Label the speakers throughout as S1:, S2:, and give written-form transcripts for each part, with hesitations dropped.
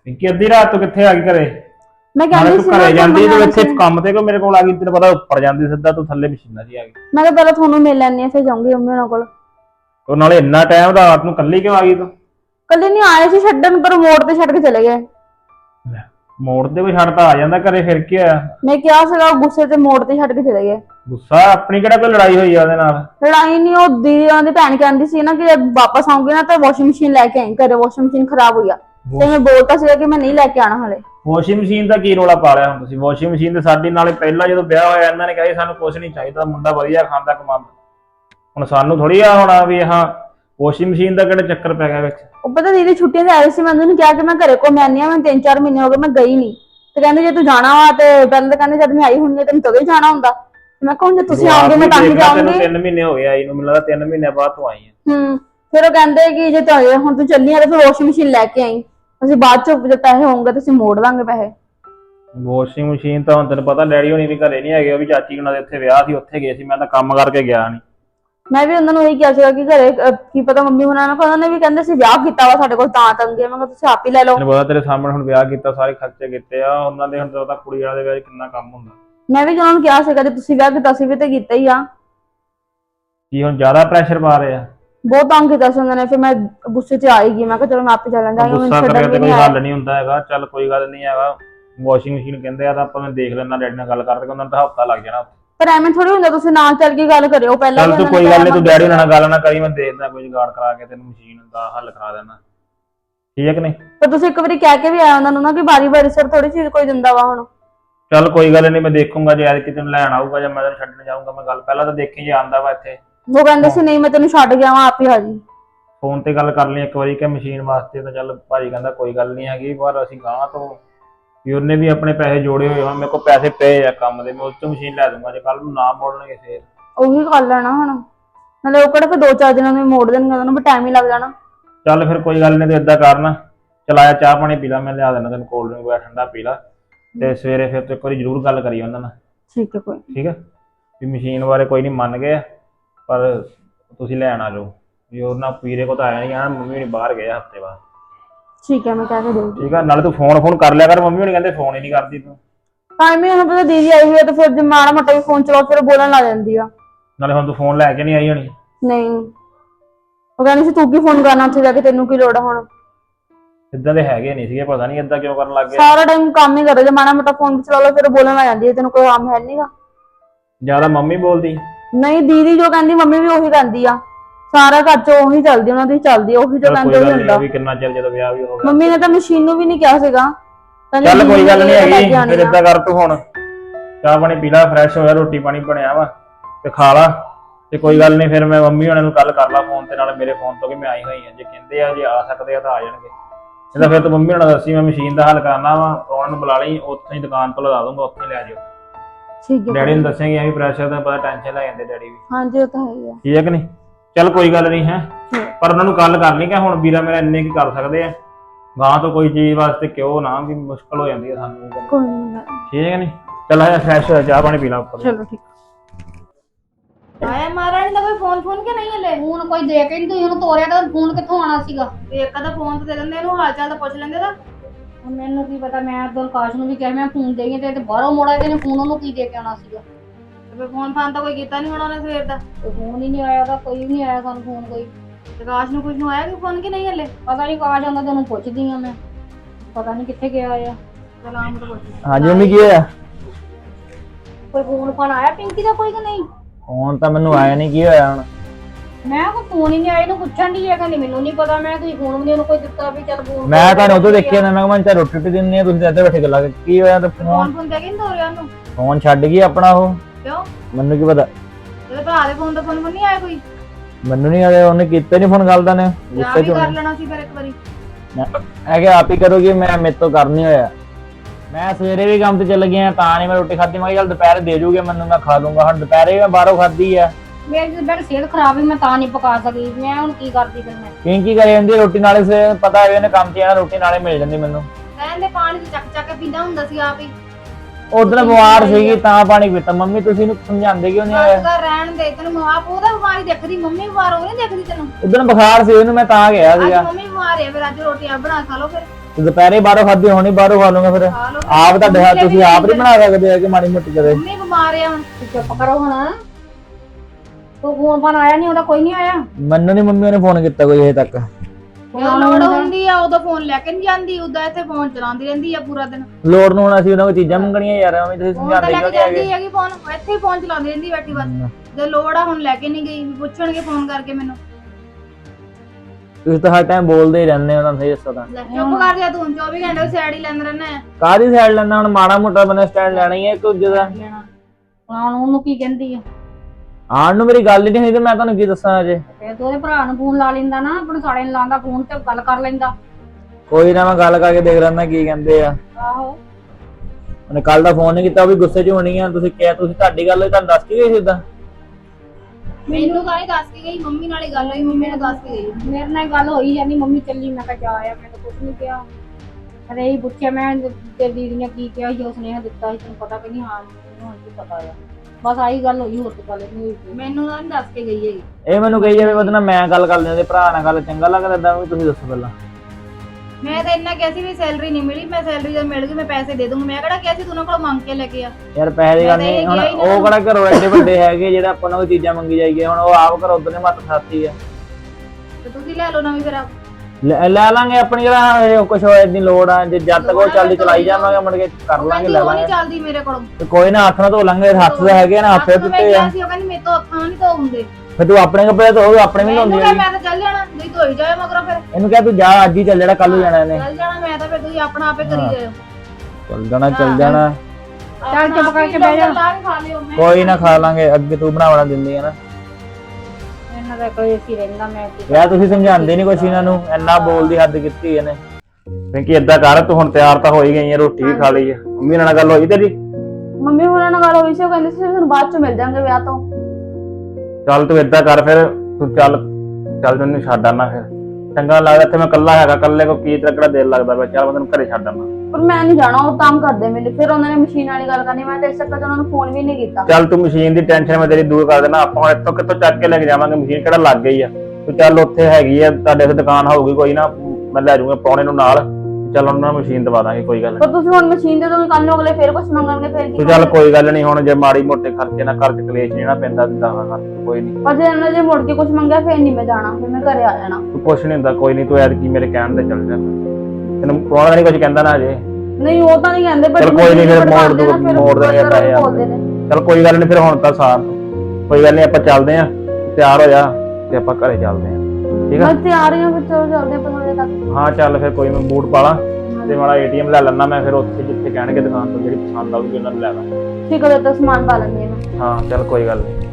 S1: ਕਿ ਅੱਧੀ ਰਾਤ ਤੋਂ ਕਿੱਥੇ ਆ ਗਈ ਘਰੇ?
S2: ਮੈਂ ਕਹਿੰਦੀ ਸੀ
S1: ਘਰੇ ਜਾਂਦੀ ਤੂੰ ਇੱਥੇ ਕੰਮ ਤੇ ਕੋ ਮੇਰੇ ਕੋਲ ਆ ਗਈ, ਤੈਨੂੰ ਪਤਾ ਉੱਪਰ ਜਾਂਦੀ ਸਿੱਧਾ ਤੂੰ ਥੱਲੇ ਮਸ਼ੀਨਾਂ 'ਚ ਆ ਗਈ।
S2: ਮੈਂ ਤਾਂ ਪਹਿਲਾਂ ਤੁਹਾਨੂੰ ਮਿਲ ਲੈਣੀ ਆ, ਫਿਰ ਜਾਊਂਗੀ ਮੰਮੀ ਉਹਨਾਂ ਕੋਲ।
S1: ਉਹ ਨਾਲੇ ਇੰਨਾ ਟਾਈਮ ਰਾਤ ਨੂੰ ਕੱਲੀ ਕਿਉਂ ਆ ਗਈ ਤੂੰ?
S2: ਕੱਲੀ ਨਹੀਂ ਆਏ ਸੀ ਛੱਡਣ, ਪਰ ਮੋੜ ਤੇ ਛੱਡ ਕੇ ਚਲੇ ਗਏ।
S1: ਮੋੜ ਤੇ ਕੋਈ ਛੱਡਦਾ ਆ ਜਾਂਦਾ ਘਰੇ, ਫਿਰ ਕੀ ਹੋਇਆ?
S2: ਮੈਂ ਕਿਹਾ ਸੀਗਾ ਗੁੱਸੇ ਤੇ ਮੋੜ ਤੇ ਛੱਡ ਕੇ ਚਲੇ ਗਏ।
S1: ਗੁੱਸਾ ਆਪਣੀ ਕਿਹੜਾ ਕੋਈ ਲੜਾਈ ਹੋਈ ਆ ਉਹਦੇ ਨਾਲ?
S2: ਲੜਾਈ ਨਹੀਂ, ਉਹ ਦੀਦੀ ਉਹਨਾਂ ਦੀ ਭੈਣ ਕਹਿੰਦੀ ਸੀ ਨਾ ਕਿ ਜਦ ਵਾਪਸ ਆਉਂਗੀ ਨਾ ਤਾਂ ਵਾਸ਼ਿੰਗ ਮਸ਼ੀਨ ਲੈ ਕੇ ਆਈ, ਘਰੇ ਵਾਸ਼ਿੰਗ ਮਸ਼ੀਨ ਖਰਾਬ ਹੋਈ ਆ। ਤੇ ਮੈਂ ਬੋਲਤਾ ਸੀਗਾ ਕਿ ਮੈਂ ਨਹੀਂ ਲੈ ਕੇ ਆਣਾ ਹਲੇ।
S1: ਵਾਸ਼ਿੰਗ ਮਸ਼ੀਨ ਦਾ ਕੀ ਰੋਲਾ ਪਾ ਲਿਆ ਹੁਣ ਤੁਸੀਂ? ਵਾਸ਼ਿੰਗ ਮਸ਼ੀਨ ਤੇ ਸਾਡੀ ਨਾਲੇ ਪਹਿਲਾਂ ਜਦੋਂ ਵਿਆਹ ਹੋਇਆ ਇਹਨਾਂ ਨੇ ਕਿਹਾ ਸਾਨੂੰ ਕੁਝ ਨਹੀਂ ਚਾਹੀਦਾ, ਮੁੰਡਾ ਵਧੀਆ ਖਾਂਦਾ ਕਮਾਉਂਦਾ। ਹੁਣ ਸਾਨੂੰ ਥੋੜੀ ਆ ਹੋਣਾ ਵੀ ਹਾਂ ਵਾਸ਼ਿੰਗ ਮਸ਼ੀਨ ਦਾ ਕਿਹੜਾ ਚੱਕਰ ਪੈ ਗਿਆ ਵਿੱਚ?
S2: ਉਹ ਪਤਾ ਦੀਦੀ ਛੁੱਟੀਆਂ ਤੇ ਆਏ ਸੀ, ਮੈਂ ਉਹਨੂੰ ਕਿਹਾ ਕਿ ਮੈਂ ਘਰੇ ਘੁੰਮ ਆਉਂਦੀ ਆ, ਮੈਂ 3-4 ਮਹੀਨੇ ਹੋ ਗਏ ਮੈਂ ਗਈ ਨਹੀਂ। ਤੇ ਕਹਿੰਦੇ ਜੇ ਤੂੰ ਜਾਣਾ ਵਾ ਤੇ ਪਹਿਲਾਂ ਤਾਂ ਕਹਿੰਦੇ ਜਦ ਮੈਂ ਆਈ ਹੁੰਦੀ ਤੈਨੂੰ ਤਦੋਂ ਹੀ ਜਾਣਾ ਹੁੰਦਾ। ਮੈਂ ਕਿਹਾ ਜੇ ਤੁਸੀਂ ਆਓਗੇ ਮੈਂ ਤਾਂ ਹੀ ਜਾਊਂਗੀ।
S1: 3 ਮਹੀਨੇ ਹੋ ਗਏ ਆਈ ਨੂੰ, ਮੈਨੂੰ ਲੱਗਦਾ 3 ਮਹੀਨੇ ਬਾਅਦ ਤੂੰ ਆਈ ਹੈ।
S2: ਫਿਰ ਉਹ ਕਹਿੰਦੇ ਕਿ ਜੇ ਹੁਣ ਤੂੰ ਚੱਲੀ ਆ ਤੇ ਫਿਰ ਵਾਸ਼ਿੰਗ ਮਸ਼ੀਨ ਲੈ ਕੇ ਆਈ, ਅਸੀਂ ਬਾਅਦ ਚ ਜੇ ਪੈਸੇ ਹੋਣਗੇ ਤੇ ਅਸੀਂ ਮੋੜ ਦਾਂਗੇ ਪੈਸੇ।
S1: ਵਾਸ਼ਿੰਗ ਮਸ਼ੀਨ ਤਾਂ ਹੁਣ ਤੈਨੂੰ ਪਤਾ ਡੈਡੀ ਹੋਣੀ ਵੀ ਘਰੇ ਨਹੀਂ ਹੈਗੇ, ਉਹ ਵੀ ਚਾਚੀ ਉਹਨਾਂ ਦੇ ਇੱਥੇ ਵਿਆਹ ਸੀ ਉੱਥੇ ਗਏ ਸੀ, ਮੈਂ ਤਾਂ ਕੰਮ ਕਰਕੇ ਗਿਆ ਨਹੀਂ।
S2: ਮੈਂ ਵੀ ਉਹਨਾਂ ਨੂੰ ਇਹੀ ਕਿਹਾ ਸੀਗਾ ਕਿ ਘਰੇ ਕੀ ਪਤਾ ਮੰਮੀ ਹੁਣਾਂ ਨੂੰ, ਉਹਨਾਂ ਨੇ ਵੀ ਕਹਿੰਦੇ ਸੀ ਵਿਆਹ ਕੀਤਾ ਵਾ ਸਾਡੇ ਕੋਲ ਤਾਂ ਤੰਗੇ। ਮੈਂ ਕਿਹਾ ਤੁਸੀਂ ਆਪ ਹੀ ਲੈ ਲਓ।
S1: ਤੈਨੂੰ ਪਤਾ ਤੇਰੇ ਸਾਹਮਣੇ ਹੁਣ ਵਿਆਹ ਕੀਤਾ, ਸਾਰੇ ਖਰਚੇ ਕੀਤੇ ਆ ਉਹਨਾਂ ਦੇ, ਹੁਣ ਤਾਂ ਕੁੜੀ ਵਾਲੇ ਦੇ ਵਿਆਹ 'ਚ ਕਿੰਨਾ ਕੰਮ ਹੁੰਦਾ।
S2: ਮੈਂ ਵੀ ਉਹਨਾਂ ਨੂੰ ਕਿਹਾ ਸੀਗਾ ਜੇ ਤੁਸੀਂ ਵਿਆਹ ਕੀਤਾ ਸੀ ਵੀ ਤੇ ਕੀਤਾ ਹੀ ਆ।
S1: ਕੀ ਹੁਣ ਜ਼ਿਆਦਾ ਪ੍ਰੈਸ਼ਰ ਪਾ ਰਹੇ ਆ?
S2: ਬਹੁਤ ਤੰਗ ਕੀਤਾ ਸੀ ਉਹਨਾਂ ਨੇ, ਫਿਰ ਮੈਂ ਗੁੱਸੇ 'ਚ ਆਏਗੀ। ਮੈਂ ਕਿਹਾ ਚਲੋ ਮੈਂ ਆਪੇ ਚੱਲ ਜਾਂਗਾ,
S1: ਗੁੱਸਾ ਕਰਕੇ ਤੇ ਕੋਈ ਹੱਲ ਨਹੀਂ ਹੁੰਦਾ ਹੈਗਾ। ਚੱਲ ਕੋਈ ਗੱਲ ਨਹੀਂ ਹੈਗਾ, ਵਾਸ਼ਿੰਗ ਮਸ਼ੀਨ ਕਹਿੰਦੇ ਆ ਤਾਂ ਆਪਾਂ ਮੈਂ ਦੇਖ ਲੈਣਾ, ਡੈਡੀ ਨਾਲ ਗੱਲ ਕਰਕੇ ਉਹਨਾਂ ਨੂੰ ਤਾਂ ਹਫ਼ਤਾ ਲੱਗ ਜਾਣਾ।
S2: ਪਰ ਐਵੇਂ ਥੋੜੀ ਹੁੰਦਾ ਤੁਸੀਂ ਨਾਲ ਚੱਲ ਕੇ ਗੱਲ ਕਰਿਓ ਪਹਿਲਾਂ।
S1: ਚੱਲ ਤੂੰ ਕੋਈ ਗੱਲ ਨਹੀਂ, ਤੂੰ ਡੈਡੀ ਨਾਲ ਗੱਲ ਨਾ ਕਰੀ, ਮੈਂ ਦੇਖਦਾ ਕੋਈ ਜੁਗਾੜ ਕਰਾ ਕੇ ਤੈਨੂੰ ਮਸ਼ੀਨ ਦਾ ਹੱਲ ਕਰਾ ਦੇਣਾ, ਠੀਕ ਹੈ ਕਿ ਨਹੀਂ?
S2: ਪਰ ਤੁਸੀਂ ਇੱਕ ਵਾਰੀ ਕਹਿ ਕੇ ਵੀ ਆਇਆ ਉਹਨਾਂ ਨੂੰ ਨਾ ਕਿ ਵਾਰੀ ਸਿਰ ਥੋੜੀ ਚੀਜ਼ ਕੋਈ ਦਿੰਦਾ ਵਾ। ਹੁਣ
S1: ਚੱਲ ਕੋਈ ਗੱਲ ਨਹੀਂ, ਮੈਂ ਦੇਖੂੰਗਾ ਜੇ ਐਤਕੀ ਤੈਨੂੰ ਲੈਣ ਆਊਗਾ ਜਾਂ ਮੈਂ ਤੈਨੂੰ ਛੱਡਣ ਜਾਊਂਗਾ, ਮੈਂ ਗੱਲ ਪਹਿਲਾਂ ਤਾਂ ਦੇਖੀ ਜੇ ਆਂਦਾ ਵਾ ਇੱਥੇ।
S2: ਉਹ ਕਹਿੰਦੇ ਸੀ ਨਹੀਂ ਮੈਂ ਤੈਨੂੰ ਛੱਡ ਗਿਆ ਵਾਂ ਆਪ ਹੀ ਆ ਜੀ।
S1: ਫੋਨ ਤੇ ਗੱਲ ਕਰ ਲਈ ਇੱਕ ਵਾਰੀ ਕਿ ਮਸ਼ੀਨ ਵਾਸਤੇ, ਤਾਂ ਚੱਲ ਭਾਜੀ ਕਹਿੰਦਾ ਕੋਈ ਗੱਲ ਨਹੀਂ ਹੈਗੀ, ਪਰ ਅਸੀਂ ਗਾਂ ਤੋਂ ਵੀ ਉਹਨੇ ਵੀ ਆਪਣੇ ਪੈਸੇ ਜੋੜੇ ਹੋਏ ਆ, ਮੇਰੇ ਕੋਲ ਪੈਸੇ ਪਏ ਆ ਕੰਮ ਦੇ, ਮੈਂ ਉਸ ਤੋਂ ਮਸ਼ੀਨ ਲੈ ਦੂੰਗਾ ਜੇ ਕੱਲ ਨੂੰ ਨਾ ਮੋੜਨਗੇ ਫੇਰ।
S2: ਉਹੀ ਕਰ ਲੈਣਾ ਹੁਣ, ਨਾਲੇ ਉਹ ਕਿਹੜਾ ਫਿਰ 2-4 ਦਿਨਾਂ ਨੂੰ ਮੋੜ ਦੇਣਗੇ, ਉਹਨਾਂ ਨੂੰ ਵੀ ਟਾਈਮ ਹੀ ਲੱਗ ਜਾਣਾ।
S1: ਚੱਲ ਫਿਰ ਕੋਈ ਗੱਲ ਨਹੀਂ, ਤੂੰ ਏਦਾਂ ਕਰਨਾ, ਚਲਾਇਆ ਚਾਹ ਪਾਣੀ ਪੀ ਲਾ, ਮੈਂ ਲਿਆ ਦੇਣਾ ਤੈਨੂੰ ਕੋਲਡ ਡਰਿੰਕ ਵਗੈਰਾ ਠੰਡਾ ਪੀ ਲਾ, ਤੇ ਸਵੇਰੇ ਫਿਰ ਤੂੰ ਇੱਕ ਵਾਰੀ ਜ਼ਰੂਰ ਗੱਲ ਕਰੀ ਉਹਨਾਂ ਨਾਲ।
S2: ਠੀਕ ਹੈ ਕੋਈ
S1: ਠੀਕ ਹੈ ਵੀ ਮਸ਼ੀਨ ਬਾਰੇ ਕੋਈ ਨਹੀਂ ਮੰਨ ਗਏ, ਪਰ ਤੁਸੀਂ ਲੈਣ ਆ ਜਾਓ ਵੀ ਉਹਨਾਂ ਪੀਰੇ ਕੋ ਤਾਂ ਆਇਆ ਨਹੀਂ ਆ, ਮੰਮੀ ਹੁਣੀ ਬਾਹਰ ਗਏ ਹਫ਼ਤੇ ਬਾਅਦ।
S2: ਠੀਕ ਹੈ ਮੈਂ ਕਹਿ ਕੇ ਦੇਊਂਗੀ।
S1: ਠੀਕ ਆ, ਨਾਲੇ ਤੂੰ ਫੋਨ ਕਰ ਲਿਆ ਕਰ, ਮੰਮੀ ਹੁਣੀ ਕਹਿੰਦੇ ਫੋਨ ਹੀ ਨਹੀਂ ਕਰਦੀ ਤੂੰ।
S2: ਟਾਈਮ ਹੀ ਉਹਨਾਂ ਪਤਾ ਦੀਦੀ ਆਈ ਹੋਈ ਹੈ ਤੇ ਫਿਰ ਜੇ ਮਾੜਾ ਮੋਟਾ ਵੀ ਫੋਨ ਚਲਾਓ ਫਿਰ ਬੋਲਣ ਲੱਗ ਜਾਂਦੀ ਆ।
S1: ਨਾਲੇ ਹੁਣ ਤੂੰ ਫੋਨ ਲੈ ਕੇ ਨਹੀਂ ਆਈ ਹੋਣੀ?
S2: ਨਹੀਂ ਉਹ ਕਹਿੰਦੀ ਸੀ ਤੂੰ ਕੀ ਫੋਨ ਕਰਨਾ ਉੱਥੇ ਜਾ ਕੇ, ਤੈਨੂੰ ਕੀ ਲੋੜ ਆ ਹੁਣ।
S1: ਇਦਾਂ ਦੇ ਹੈਗੇ ਨਹੀਂ ਸੀਗੇ, ਪਤਾ ਨਹੀਂ ਏਦਾਂ ਕਿਉਂ ਕਰਨ ਲੱਗ ਗਏ।
S2: ਸਾਰਾ ਟਾਈਮ ਕੰਮ ਹੀ ਕਰਦੇ, ਜੇ ਮਾੜਾ ਮੋਟਾ ਫੋਨ ਚਲਾ ਲਓ ਫਿਰ ਬੋਲਣ ਲੱਗ ਜਾਂਦੀ ਹੈ, ਤੈਨੂੰ ਕੋਈ ਕੰਮ ਹੈ ਨਹੀਂਗਾ।
S1: ਜ਼ਿਆਦਾ ਮੰਮੀ ਬੋਲਦੀ?
S2: ਨਹੀਂ ਦੀਦੀ ਜੋ ਕਹਿੰਦੀ ਮੰਮੀ ਵੀ ਉਹੀ ਕਹਿੰਦੀ ਆ, ਸਾਰਾ ਘਰ ਚ ਉਹੀ ਚੱਲਦੀ, ਉਹਨਾਂ ਦੀ ਚੱਲਦੀ ਉਹੀ ਜੋ ਕਹਿੰਦੇ ਉਹੀ ਹੁੰਦਾ।
S1: ਵੀ ਕਿੰਨਾ ਚਿਰ ਜਦੋਂ ਵਿਆਹ ਵੀ ਹੋ ਗਿਆ,
S2: ਮੰਮੀ ਨੇ ਤਾਂ ਮਸ਼ੀਨ ਨੂੰ ਵੀ ਨਹੀਂ ਕਿਹਾ ਸੀਗਾ।
S1: ਚੱਲ ਕੋਈ ਗੱਲ ਨਹੀਂ ਹੈਗੀ, ਫਿਰ ਏਦਾਂ ਕਰ ਤੂੰ ਹੁਣ ਚਾਹ ਪਾਣੀ ਪੀ ਲੈ, ਫਰੈਸ਼ ਹੋਇਆ, ਰੋਟੀ ਪਾਣੀ ਬਣਿਆ ਵਾ ਤੇ ਖਾ ਲਾ, ਤੇ ਕੋਈ ਗੱਲ ਨਹੀਂ ਫਿਰ ਮੈਂ ਮੰਮੀ ਉਹਨਾਂ ਨੂੰ ਕੱਲ ਕਰ ਲਾ ਫੋਨ ਤੇ, ਨਾਲ ਮੇਰੇ ਫੋਨ ਤੋਂ ਕਿ ਮੈਂ ਆਈ ਹੋਈ ਆ, ਜੇ ਕਹਿੰਦੇ ਆ ਜੇ ਆ ਸਕਦੇ ਆ ਤਾਂ ਆ ਜਾਣਗੇ, ਇਹਦਾ ਫਿਰ ਤੂੰ ਮੰਮੀ ਉਹਨਾਂ ਦੱਸੀ ਮੈਂ ਮਸ਼ੀਨ ਦਾ ਹੱਲ ਕਰਨਾ ਵਾ, ਉਹਨਾਂ ਨੂੰ ਬੁਲਾ ਲਈ, ਉੱਥੇ ਹੀ ਦੁਕਾਨ ਤੋਂ ਲਗਾ ਦੂੰਗਾ, ਉੱਥੇ ਲੈ ਜਾਓ।
S2: ਠੀਕ ਹੈ
S1: ਡੈਡੀ ਨੂੰ ਦੱਸਾਂਗੇ ਐਵੇਂ ਪ੍ਰੈਸ਼ਰ ਦਾ ਪਤਾ, ਟੈਨਸ਼ਨ ਲੈ ਜਾਂਦੇ ਡੈਡੀ ਵੀ।
S2: ਹਾਂਜੀ ਉਹ ਤਾਂ ਹੈ ਹੀ ਆ।
S1: ਠੀਕ ਹੈ ਕਿ ਨਹੀਂ? ਚੱਲ ਕੋਈ ਗੱਲ ਨਹੀਂ ਹੈ, ਪਰ ਉਹਨਾਂ ਨੂੰ ਗੱਲ ਕਰ ਲਈ ਕਿ ਹੁਣ ਵੀਰਾ ਮੇਰਾ ਇੰਨੇ ਕੀ ਕਰ ਸਕਦੇ ਆ, ਗਾਂ ਤੋਂ ਕੋਈ ਚੀਜ਼ ਵਾਸਤੇ ਕਿਉਂ ਨਾ ਵੀ ਮੁਸ਼ਕਲ ਹੋ ਜਾਂਦੀ ਹੈ ਸਾਨੂੰ।
S2: ਕੋਈ ਨਹੀਂ
S1: ਠੀਕ ਹੈ ਨਹੀਂ? ਚੱਲ ਆ ਫਰੈਸ਼ ਹੋ ਚਾਹ ਪਾਣੀ ਪੀ ਲਾ ਉੱਪਰ।
S2: ਚਲੋ ਠੀਕ।
S3: ਆਇਆ ਮਹਾਰਾਣੀ ਦਾ ਕੋਈ ਫੋਨ ਕਿ ਨਹੀਂ ਹਲੇ? ਫੋਨ ਕੋਈ ਦੇ ਕੇ ਨਹੀਂ, ਤੁਸੀਂ ਉਹਨੂੰ ਤੋਰਿਆ ਤਾਂ ਫੋਨ ਕਿੱਥੋਂ ਆਣਾ ਸੀਗਾ?
S4: ਇੱਕ ਦਾ ਫੋਨ ਤੇ ਦੇ ਦਿੰਦੇ, ਇਹਨੂੰ ਹਾਲ ਚਾਲ ਤਾਂ ਪੁੱਛ ਲੈਂਦੇ ਤਾਂ।
S3: ਮੈਨੂੰ ਕੀ ਪਤਾ, ਮੈਂ ਦੁਰਕਾਸ਼ ਨੂੰ ਵੀ ਕਿਹਾ ਮੈਂ ਫੋਨ ਦੇਈਏ ਤੇ ਬਾਹਰੋਂ ਮੋੜਾ ਕੇ ਨੇ ਫੋਨ ਉਹਨੂੰ ਕੀ ਦੇ ਕੇ ਆਉਣਾ ਸੀਗਾ।
S4: ਤੇ ਫੋਨ ਫਾਨ ਤਾਂ ਕੋਈ ਕੀਤਾ ਨਹੀਂ ਹੋਣਾ ਉਹਨੇ ਸਵੇਰ ਦਾ।
S3: ਫੋਨ ਹੀ ਨਹੀਂ ਆਇਆ ਉਹਦਾ, ਕੋਈ ਵੀ ਨਹੀਂ ਆਇਆ ਸਾਨੂੰ ਫੋਨ ਕੋਈ।
S4: ਪ੍ਰਕਾਸ਼ ਨੂੰ ਕੁਝ ਨੂੰ ਆਇਆ ਕਿ ਫੋਨ ਕਿ ਨਹੀਂ ਹਲੇ?
S3: ਪਤਾ ਨਹੀਂ ਕਾਸ਼ ਆਉਂਦਾ, ਤੈਨੂੰ ਪੁੱਛਦੀ ਆ ਮੈਂ, ਪਤਾ ਨਹੀਂ ਕਿੱਥੇ ਗਿਆ ਆ।
S4: ਸਲਾਮ ਤੋਂ ਪੁੱਛ।
S5: ਹਾਂਜੀ ਮੰਮੀ ਕੀ ਹੋਇਆ?
S3: ਕੋਈ ਫੋਨ ਆਇਆ ਪਿੰਕੀ ਦਾ ਕੋਈ ਕਿ ਨਹੀਂ?
S5: ਫੋਨ ਤਾਂ ਮੈਨੂੰ ਆਇਆ ਨਹੀਂ, ਕੀ ਹੋਇਆ ਹੁਣ?
S3: ਮੈਂ ਕੋਈ ਫੋਨ ਹੀ ਨਹੀਂ ਆਇਆ, ਇਹਨੂੰ ਪੁੱਛਣ ਦੀ ਹੈ, ਕਹਿੰਦੀ ਮੈਨੂੰ ਨਹੀਂ ਪਤਾ, ਮੈਂ ਤੁਸੀਂ ਫੋਨ ਵੀ ਉਹਨੂੰ ਕੋਈ ਦਿੱਤਾ ਵੀ ਚੱਲ ਫੋਨ।
S5: ਮੈਂ ਤੁਹਾਨੂੰ ਉਦੋਂ ਦੇਖਿਆ ਨਾ, ਮੈਂ ਕਿਹਾ ਰੋਟੀ ਰੋਟੀ ਦਿੰਨੀ ਆ, ਤੁਸੀਂ ਇੱਥੇ ਬੈਠੇ ਗੱਲਾਂ ਕੀ ਹੋਇਆ? ਤੇ
S4: ਫੋਨ ਦੇ ਕੇ ਨਹੀਂ ਤੋਰਿਆ ਉਹਨੂੰ?
S5: ਫੋਨ ਛੱਡ ਗਈ ਆਪਣਾ ਉਹ।
S4: ਕਿਉਂ?
S5: ਮੈਨੂੰ ਕੀ ਪਤਾ,
S4: ਤੇਰੇ ਭਰਾ ਦੇ ਫੋਨ ਦਾ ਫੋਨ ਨਹੀਂ ਆਇਆ ਕੋਈ?
S5: ਮੈਨੂੰ ਨਹੀਂ ਆਇਆ, ਉਹਨੇ ਕੀਤਾ ਨਹੀਂ ਫੋਨ, ਗੱਲ ਦਾ ਨੇ
S4: ਗੁੱਸੇ ਚ ਕਰ ਲੈਣਾ ਸੀ ਫਿਰ ਇੱਕ ਵਾਰੀ।
S5: ਮੈਂ ਕਿਹਾ ਆਪ ਹੀ ਕਰੋਗੇ, ਮੈਂ ਮੇਰੇ ਤੋਂ ਕਰ ਨਹੀਂ ਹੋਇਆ। ਮੈਂ ਸਵੇਰੇ ਵੀ ਕੰਮ ਤੇ ਚੱਲ ਗਿਆ ਤਾਂ ਨਹੀਂ ਮੈਂ ਰੋਟੀ ਖਾਧੀ, ਮੈਂ ਕਿਹਾ ਚੱਲ ਦੁਪਹਿਰੇ ਦੇ ਜੂਗੇ ਮੈਨੂੰ, ਮੈਂ ਖਾ ਲੂੰਗਾ। ਹੁਣ ਦੁਪਹਿਰੇ ਮੈਂ ਬਾਹਰੋਂ ਖਾਧੀ ਆ।
S3: ਮੇਰੀ ਤਾਂ ਸਿਹਤ ਖਰਾਬ ਹੀ, ਮੈਂ ਤਾਂ ਨਹੀਂ ਪਕਾ ਸਕੀ, ਮੈਂ ਹੁਣ ਕੀ ਕਰਦੀ ਫਿਰ ਮੈਂ।
S5: ਕੀ ਕਰੀ ਜਾਂਦੀ ਰੋਟੀ ਨਾਲੇ, ਸੇ ਪਤਾ ਹੈ ਉਹਨੇ ਕੰਮ ਤੇ ਆਣਾ, ਰੋਟੀ ਨਾਲੇ ਮਿਲ ਜਾਂਦੀ ਮੈਨੂੰ।
S4: ਕਹਿੰਦੇ ਪਾਣੀ ਚ ਚੱਕ ਕੇ ਪੀਂਦਾ ਹੁੰਦਾ ਸੀ ਆਪ ਹੀ।
S5: ਉਧਰ ਬਿਮਾਰ ਸੀਗੀ ਤਾਂ ਪਾਣੀ ਪੀਤਾ। ਮੰਮੀ ਤੁਸੀਂ ਨੂੰ ਸਮਝਾਉਂਦੇ ਕਿਉਂ ਨਹੀਂ ਆਇਆ?
S4: ਬਸ ਰਹਿਣ ਦੇ, ਤੈਨੂੰ ਆਪ ਉਹਦਾ ਬਿਮਾਰੀ ਦੇਖਦੀ, ਮੰਮੀ ਬਿਮਾਰ ਹੋ ਨਹੀਂ ਦੇਖਦੀ ਤੈਨੂੰ।
S5: ਉਧਰ ਬੁਖਾਰ ਸੀ ਉਹਨੂੰ, ਮੈਂ ਤਾਂ ਗਿਆ ਸੀਗਾ।
S4: ਅੱਜ ਮੰਮੀ ਬਿਮਾਰ ਹੈ, ਫਿਰ ਅੱਜ ਰੋਟੀਆਂ ਬਣਾ ਖਾ ਲਓ ਫਿਰ।
S5: ਤੇ ਦੁਪਹਿਰੇ ਬਾਹਰੋਂ ਖਾਧੀ ਹੋਣੀ, ਬਾਹਰੋਂ ਖਾ ਲੂੰਗਾ ਫਿਰ।
S4: ਖਾ ਲਓ।
S5: ਆਪ ਤੁਹਾਡੇ ਹੱਥ ਤੁਸੀਂ ਆਪ ਨਹੀਂ ਬਣਾ ਸਕਦੇ ਆ ਕਿ ਮਾੜੀ ਮੋਟੀ ਕਰੇ।
S4: ਮੰਮੀ ਬਿਮਾਰ ਆ ਹੁਣ।
S3: ਚੁੱਪ ਕਰੋ ਹੁਣ। ਤੂੰ ਫੋਨ ਫਾਨ ਆਇਆ ਨਹੀਂ, ਉਹਦਾ ਕੋਈ ਨਹੀਂ ਆਇਆ।
S5: ਮੈਨੂੰ ਨਹੀਂ ਮੰਮੀ ਨੇ ਫੋਨ ਕੀਤਾ ਕੋਈ ਹਜੇ ਤੱਕ।
S4: ਜਦੋਂ ਲੋੜ ਹੁੰਦੀ ਆ ਉਦੋਂ ਫੋਨ ਲੈ ਕੇ ਨਹੀਂ ਜਾਂਦੀ, ਉਦਾਂ ਇੱਥੇ ਫੋਨ ਚਲਾਉਂਦੀ ਰਹਿੰਦੀ ਆ ਪੂਰਾ ਦਿਨ।
S5: ਲੋੜ ਨੂੰ ਹੁਣ ਅਸੀਂ ਉਹਨਾਂ ਕੋਲ ਚੀਜ਼ਾਂ ਮੰਗਣੀਆਂ ਯਾਰ, ਐਵੇਂ ਤੁਸੀਂ
S4: ਫੋਨ ਤਾਂ
S5: ਸਮਝਾਉਂਦੇ
S4: ਲੈ
S5: ਕਿਉਂ
S4: ਕੇ
S5: ਨਹੀਂ ਹੈਗੇ।
S4: ਜਾਂਦੀ ਹੈਗੀ ਫੋਨ, ਇੱਥੇ ਹੀ ਫੋਨ ਚਲਾਉਂਦੀ ਰਹਿੰਦੀ ਬੈਠੀ ਬਸ। ਜੇ ਲੋੜ ਆ ਹੁਣ ਲੈ ਕੇ ਨਹੀਂ ਗਈ, ਪੁੱਛਣਗੇ ਫੋਨ ਕਰਕੇ ਮੈਨੂੰ।
S5: ਤੁਸੀਂ ਤਾਂ ਹਰ ਟਾਈਮ ਬੋਲਦੇ ਹੀ ਰਹਿੰਦੇ ਹੋ, ਤੁਹਾਨੂੰ ਸਹੀ ਦੱਸਾਂ ਤਾਂ।
S4: ਲੈ ਚੁੱਪ ਕਰ ਜਾ ਤੂੰ, 24 ਘੰਟੇ ਸਾਈਡ ਹੀ ਲੈਂਦਾ ਰਹਿਣਾ ਹੈ।
S5: ਕਾਹਦੀ ਸਾਈਡ ਲੈਣਾ, ਹੁਣ ਮਾੜਾ ਮੋਟਾ ਬੰਦਾ ਸਟੈਂਡ ਲੈਣਾ ਹੀ ਹੈ ਇੱਕ ਦੂਜੇ ਦਾ।
S3: ਹੁਣ ਉਹਨੂੰ ਕੀ ਕਹਿੰਦੀ ਆ?
S5: ਆਣ ਨੂੰ ਮੇਰੀ ਗੱਲ ਹੀ ਨਹੀਂ ਹੋਈ ਤੇ ਮੈਂ ਤੁਹਾਨੂੰ ਕੀ ਦੱਸਾਂ ਅਜੇ।
S3: ਫਿਰ ਤੂੰ ਉਹਦੇ ਭਰਾ ਨੂੰ ਫੋਨ ਲਾ ਲੈਂਦਾ ਨਾ, ਆਪਣੇ ਸਾਲੇ ਨੂੰ ਲਾਉਂਦਾ ਫੋਨ ਤੇ ਗੱਲ ਕਰ ਲੈਂਦਾ।
S5: ਕੋਈ ਨਾ ਮੈਂ ਗੱਲ ਕਰਕੇ ਦੇਖ ਲੈਂਦਾ ਕੀ ਕਹਿੰਦੇ ਆ।
S3: ਆਹੋ
S5: ਉਹਨੇ ਕੱਲ ਦਾ ਫੋਨ ਨਹੀਂ ਕੀਤਾ, ਉਹ ਵੀ ਗੁੱਸੇ 'ਚ ਹੋਣੀ ਆ। ਤੁਸੀਂ ਕਿਹਾ ਤੁਸੀਂ ਤੁਹਾਡੀ ਗੱਲ ਹੋਈ, ਤੁਹਾਨੂੰ ਦੱਸ ਕੇ ਗਈ ਸੀ ਏਦਾਂ।
S4: ਮੈਨੂੰ ਤਾਂ ਨਹੀਂ ਦੱਸ ਕੇ ਗਈ, ਮੰਮੀ ਨਾਲ ਹੀ ਗੱਲ ਹੋਈ, ਮੰਮੀ ਨੇ ਦੱਸ ਕੇ ਗਈ।
S3: ਮੇਰੇ ਨਾਲ ਗੱਲ ਹੋਈ ਜਾਂਦੀ, ਮੰਮੀ ਚੱਲੀ, ਮੈਂ ਕਿਹਾ ਜਾ ਆ, ਮੈਂ ਤਾਂ ਕੁਝ ਨਹੀਂ ਕਿਹਾ। ਅਰੇ ਹੀ ਪੁੱਛਿਆ ਮੈਂ ਤੇ ਦੀਦੀ ਨੇ ਕੀ ਕਿਹਾ ਸੀ, ਉਹ ਸੁਨੇਹਾ ਦਿੱਤਾ ਸੀ, ਤੈਨੂੰ ਪਤਾ ਕਿ ਨਹੀਂ? ਹਾਂ ਮੈਨੂੰ ਹੁਣ ਕੀ ਪਤਾ ਆ, ਬਸ ਆਹੀ ਗੱਲ ਹੋਈ, ਹੋਰ ਤਾਂ ਗੱਲ ਨਹੀਂ ਹੋਈ।
S4: ਮੈਨੂੰ ਤਾਂ ਨਹੀਂ ਦੱਸ ਕੇ ਗਈ ਹੈਗੀ।
S5: ਇਹ ਮੈਨੂੰ ਕਹੀ ਜਾਵੇ ਉਹਦੇ ਨਾਲ ਮੈਂ ਗੱਲ ਕਰ ਲੈਂਦੇ, ਭਰਾ ਨਾਲ ਗੱਲ ਚੰਗਾ ਲੱਗਦਾ ਏਦਾਂ ਵੀ? ਤੁਸੀਂ ਦੱਸੋ ਪਹਿਲਾਂ।
S4: ਮੈਂ ਤਾਂ ਇੰਨਾ ਕਿਹਾ ਸੀ ਵੀ ਸੈਲਰੀ ਨਹੀਂ ਮਿਲੀ, ਮੈਂ ਸੈਲਰੀ ਜਦ ਮਿਲ ਗਈ ਮੈਂ ਪੈਸੇ ਦੇ ਦੂੰਗੀ। ਮੈਂ ਕਿਹੜਾ ਕਿਹਾ ਸੀ ਤੂੰ ਉਹਨਾਂ ਕੋਲ ਮੰਗ ਕੇ ਲੈ ਕੇ ਆ।
S5: ਯਾਰ ਪੈਸੇ ਦੀ ਗੱਲ ਨਹੀਂ, ਹੁਣ ਉਹ ਕਿਹੜਾ ਘਰੋਂ ਐਡੇ ਵੱਡੇ ਹੈਗੇ ਜਿਹੜੇ ਆਪਾਂ ਨੂੰ ਕੋਈ ਚੀਜ਼ਾਂ ਮੰਗੀ ਜਾਈਏ। ਹੁਣ ਉਹ ਆਪ ਘਰੋਂ ਉਧਰ ਨੇ ਮੱਤ ਖਾਤੀ ਆ।
S4: ਤੇ ਤੁਸੀਂ ਲੈ ਲਓ ਨਵੀਂ ਫਿਰ ਆਪ।
S5: ਲੈ ਲਾਂਗੇ ਆਪਣੀ ਜਿਹੜਾ ਕੁਛ ਹੋਏ ਦੀ ਲੋੜ ਆ, ਜੇ ਜਦ ਤੱਕ ਉਹ ਚੱਲਦੀ ਚਲਾਈ ਜਾਵਾਂਗੇ ਮੁੜ ਕੇ ਕਰ ਲਾਂਗੇ, ਲੈ
S4: ਉਹ
S5: ਲਾਂਗੇ।
S4: ਨਹੀਂ ਚੱਲਦੀ ਮੇਰੇ ਕੋਲੋਂ।
S5: ਤੇ ਕੋਈ ਨਾ, ਹੱਥ ਨਾਲ ਧੋ ਲਾਂਗੇ, ਹੱਥ ਤਾਂ ਹੈਗੇ ਨਾ, ਹੱਥ ਟੁੱਟੇ ਆ।
S4: ਉਹ ਕਹਿੰਦੀ ਮੇਰੇ ਤੋਂ ਹੱਥਾਂ ਨਹੀਂ ਧੋ ਹੁੰਦੇ।
S5: ਫਿਰ ਤੂੰ ਆਪਣੇ ਕੱਪੜੇ ਧੋ, ਆਪਣੇ ਵੀ ਧੋਂਦੀ ਆ।
S4: ਮੈਂ ਤਾਂ ਚੱਲ ਜਾਣਾ, ਤੁਸੀਂ ਧੋਈ ਜਾਓ ਮਗਰੋਂ ਫਿਰ।
S5: ਇਹਨੂੰ ਕਹਿ ਤੂੰ ਜਾ, ਅੱਜ ਹੀ ਚੱਲ ਜਿਹੜਾ ਕੱਲ ਨੂੰ ਜਾਣਾ ਇਹਨੇ।
S4: ਚੱਲ ਜਾਣਾ ਮੈਂ ਤਾਂ, ਫਿਰ ਤੁਸੀਂ ਆਪਣਾ ਆਪੇ ਕਰੀ ਜਾਓ।
S5: ਚੱਲ ਜਾਣਾ।
S3: ਚੱਲ ਚੁੱਪ ਕਰਕੇ ਬਹਿ ਜਾ।
S4: ਖਾ ਲਿਓ।
S5: ਕੋਈ ਨਾ ਖਾ ਲਾਂਗੇ, ਅੱਗੇ ਤੂੰ ਬਣਾਉਣਾ ਦਿੰਦੀ ਆ ਨਾ।
S3: ਇਹਨਾਂ ਦਾ ਕੋਈ ਕੀ ਰਹਿੰਦਾ, ਮੈਂ ਕੀ
S5: ਯਾਰ ਤੁਸੀਂ ਸਮਝਾਉਂਦੇ ਨਹੀਂ ਕੁਛ ਇਹਨਾਂ ਨੂੰ, ਇੰਨਾ ਬੋਲਦੀ ਹੱਦ ਕੀਤੀ ਇਹਨੇ। ਕਿਉਂਕਿ ਏਦਾਂ ਕਰ, ਤੂੰ ਹੁਣ ਤਿਆਰ ਤਾਂ ਹੋ ਹੀ ਗਈ ਹੈ, ਰੋਟੀ ਵੀ ਖਾ ਲਈ ਹੈ। ਮੰਮੀ ਨਾਲ ਗੱਲ ਹੋਈ ਤੇਰੀ?
S2: ਮੰਮੀ ਹੋਰਾਂ ਨਾਲ ਗੱਲ ਹੋਈ ਸੀ, ਉਹ ਕਹਿੰਦੇ ਸੀ ਤੁਹਾਨੂੰ ਬਾਅਦ ਚ ਮਿਲ ਜਾਾਂਗੇ ਵਿਆਹ ਤੋਂ।
S1: ਚੱਲ ਤੂੰ ਏਦਾਂ ਕਰ ਫਿਰ, ਤੂੰ ਚੱਲ ਮੈਨੂੰ ਛੱਡ ਆਣਾ ਫਿਰ। ਚੰਗਾ ਲੱਗਦਾ ਇੱਥੇ ਮੈਂ ਇਕੱਲਾ ਹੈਗਾ, ਇਕੱਲੇ ਕੋ ਕੀ ਤੇਰਾ ਕਿਹੜਾ ਦਿਲ ਲੱਗਦਾ ਪਿਆ। ਚੱਲ ਮੈਂ ਤੈਨੂੰ ਘਰੇ ਛੱਡ ਆਣਾ।
S2: ਪਰ ਮੈਂ ਨਹੀਂ ਜਾਣਾ, ਉਹ ਤੰਗ ਕਰਦੇ ਮੈਨੂੰ। ਫਿਰ ਉਹਨਾਂ ਨੇ ਮਸ਼ੀਨ ਵਾਲੀ ਗੱਲ ਕਰਨੀ, ਮੈਂ ਤੇ ਇਸ ਚੱਕਰ ਚ ਉਹਨਾਂ ਨੂੰ ਫੋਨ ਵੀ ਨਹੀਂ ਕੀਤਾ।
S1: ਚੱਲ ਤੂੰ ਮਸ਼ੀਨ ਦੀ ਟੈਨਸ਼ਨ ਮੈਂ ਤੇਰੀ ਦੂਰ ਕਰ ਦੇਣਾ। ਆਪਾਂ ਇੱਥੋਂ ਕਿੱਥੋਂ ਚੱਕ ਕੇ ਲੈ ਕੇ ਜਾਵਾਂਗੇ, ਮਸ਼ੀਨ ਕਿਹੜਾ ਲੱਗ ਗਈ ਆ। ਤੂੰ ਚੱਲ ਉੱਥੇ ਹੈਗੀ ਆ ਤੁਹਾਡੇ ਉੱਥੇ ਦੁਕਾਨ ਹੋਊਗੀ ਕੋਈ ਨਾ, ਮੈਂ ਲੈ ਜਾਊਂਗਾ ਪ੍ਰਾਹੁਣੇ ਨੂੰ ਨਾਲ। ਚੱਲ ਉਹਨਾਂ ਨੂੰ ਮਸ਼ੀਨ ਦਵਾ ਦਾਂਗੇ, ਕੋਈ ਗੱਲ
S2: ਪਰ ਤੁਸੀਂ ਹੁਣ ਮਸ਼ੀਨ ਦੇ ਦੋ, ਕੱਲ ਨੂੰ ਅਗਲੇ ਫਿਰ ਕੁਝ ਮੰਗਣਗੇ, ਫਿਰ ਕੀ?
S1: ਤੂੰ ਚੱਲ ਕੋਈ ਗੱਲ ਨਹੀਂ, ਹੁਣ ਜੇ ਮਾੜੀ ਮੋਟੇ ਖਰਚੇ ਨਾਲ ਘਰ ਚ ਕਲੇਸ਼ ਨਹੀਂ ਨਾ ਪੈਂਦਾ ਦਿੰਦਾ ਕੋਈ ਨਹੀਂ।
S2: ਪਰ ਜੇ ਇਹਨਾਂ ਜੇ ਮੁੜ ਕੇ ਕੁਝ ਮੰਗਿਆ ਫਿਰ ਨਹੀਂ ਮੈਂ ਜਾਣਾ, ਫਿਰ ਮੈਂ ਘਰੇ ਆ ਜਾਣਾ।
S1: ਤੂੰ ਕੁਛ ਨਹੀਂ ਹੁੰਦਾ, ਕੋਈ ਨਹੀਂ, ਤੂੰ ਐਤਕੀ ਮੇਰੇ ਕਹਿਣ ਤੇ ਚੱਲ ਜਾ। ਤੈਨੂੰ ਪ੍ਰਾਹੁਣਾ ਨਹੀਂ ਕੁਝ ਕਹਿੰਦਾ ਨਾ ਅਜੇ?
S2: ਨਹੀਂ ਉਹ ਤਾਂ ਨਹੀਂ ਕਹਿੰਦੇ,
S1: ਚੱਲ ਕੋਈ ਨਹੀਂ, ਫਿਰ ਮੋੜ ਦੇਣਗੇ ਪੈਸੇ ਆ।
S2: ਬੋਲਦੇ ਨੇ।
S1: ਚੱਲ ਕੋਈ ਗੱਲ ਨਹੀਂ, ਫਿਰ ਹੁਣ ਤਾਂ ਸਾਰ ਕੋਈ ਗੱਲ ਨਹੀਂ, ਆਪਾਂ ਚੱਲਦੇ ਆਂ। ਤਿਆਰ ਹੋ ਜਾ ਤੇ ਆਪਾਂ ਘਰੇ ਚੱਲਦੇ ਆਂ, ਠੀਕ ਆ?
S2: ਮੈਂ ਤਿਆਰ ਹਾਂ, ਫਿਰ ਚਲੋ ਚੱਲਦੇ ਆਪਾਂ ਥੋੜੇ ਤੱਕ।
S1: ਹਾਂ ਚੱਲ ਫਿਰ ਕੋਈ, ਮੈਂ ਬੂਟ ਪਾ ਲਾਂ ਤੇ ਮਾੜਾ ATM ਲੈ ਲੈਣਾ ਮੈਂ, ਫਿਰ ਉੱਥੇ ਜਿੱਥੇ ਕਹਿਣਗੇ ਦੁਕਾਨ ਤੋਂ ਜਿਹੜੀ ਪਸੰਦ ਆਊਗੀ ਉਹਨਾਂ ਨੂੰ ਲੈ ਲਾਂ।
S2: ਠੀਕ ਹੈ, ਤਾਂ ਸਮਾਨ ਪਾ ਲੈਂਦੀ ਹਾਂ ਮੈਂ।
S1: ਹਾਂ ਚੱਲ ਕੋਈ ਗੱਲ ਨਹੀਂ।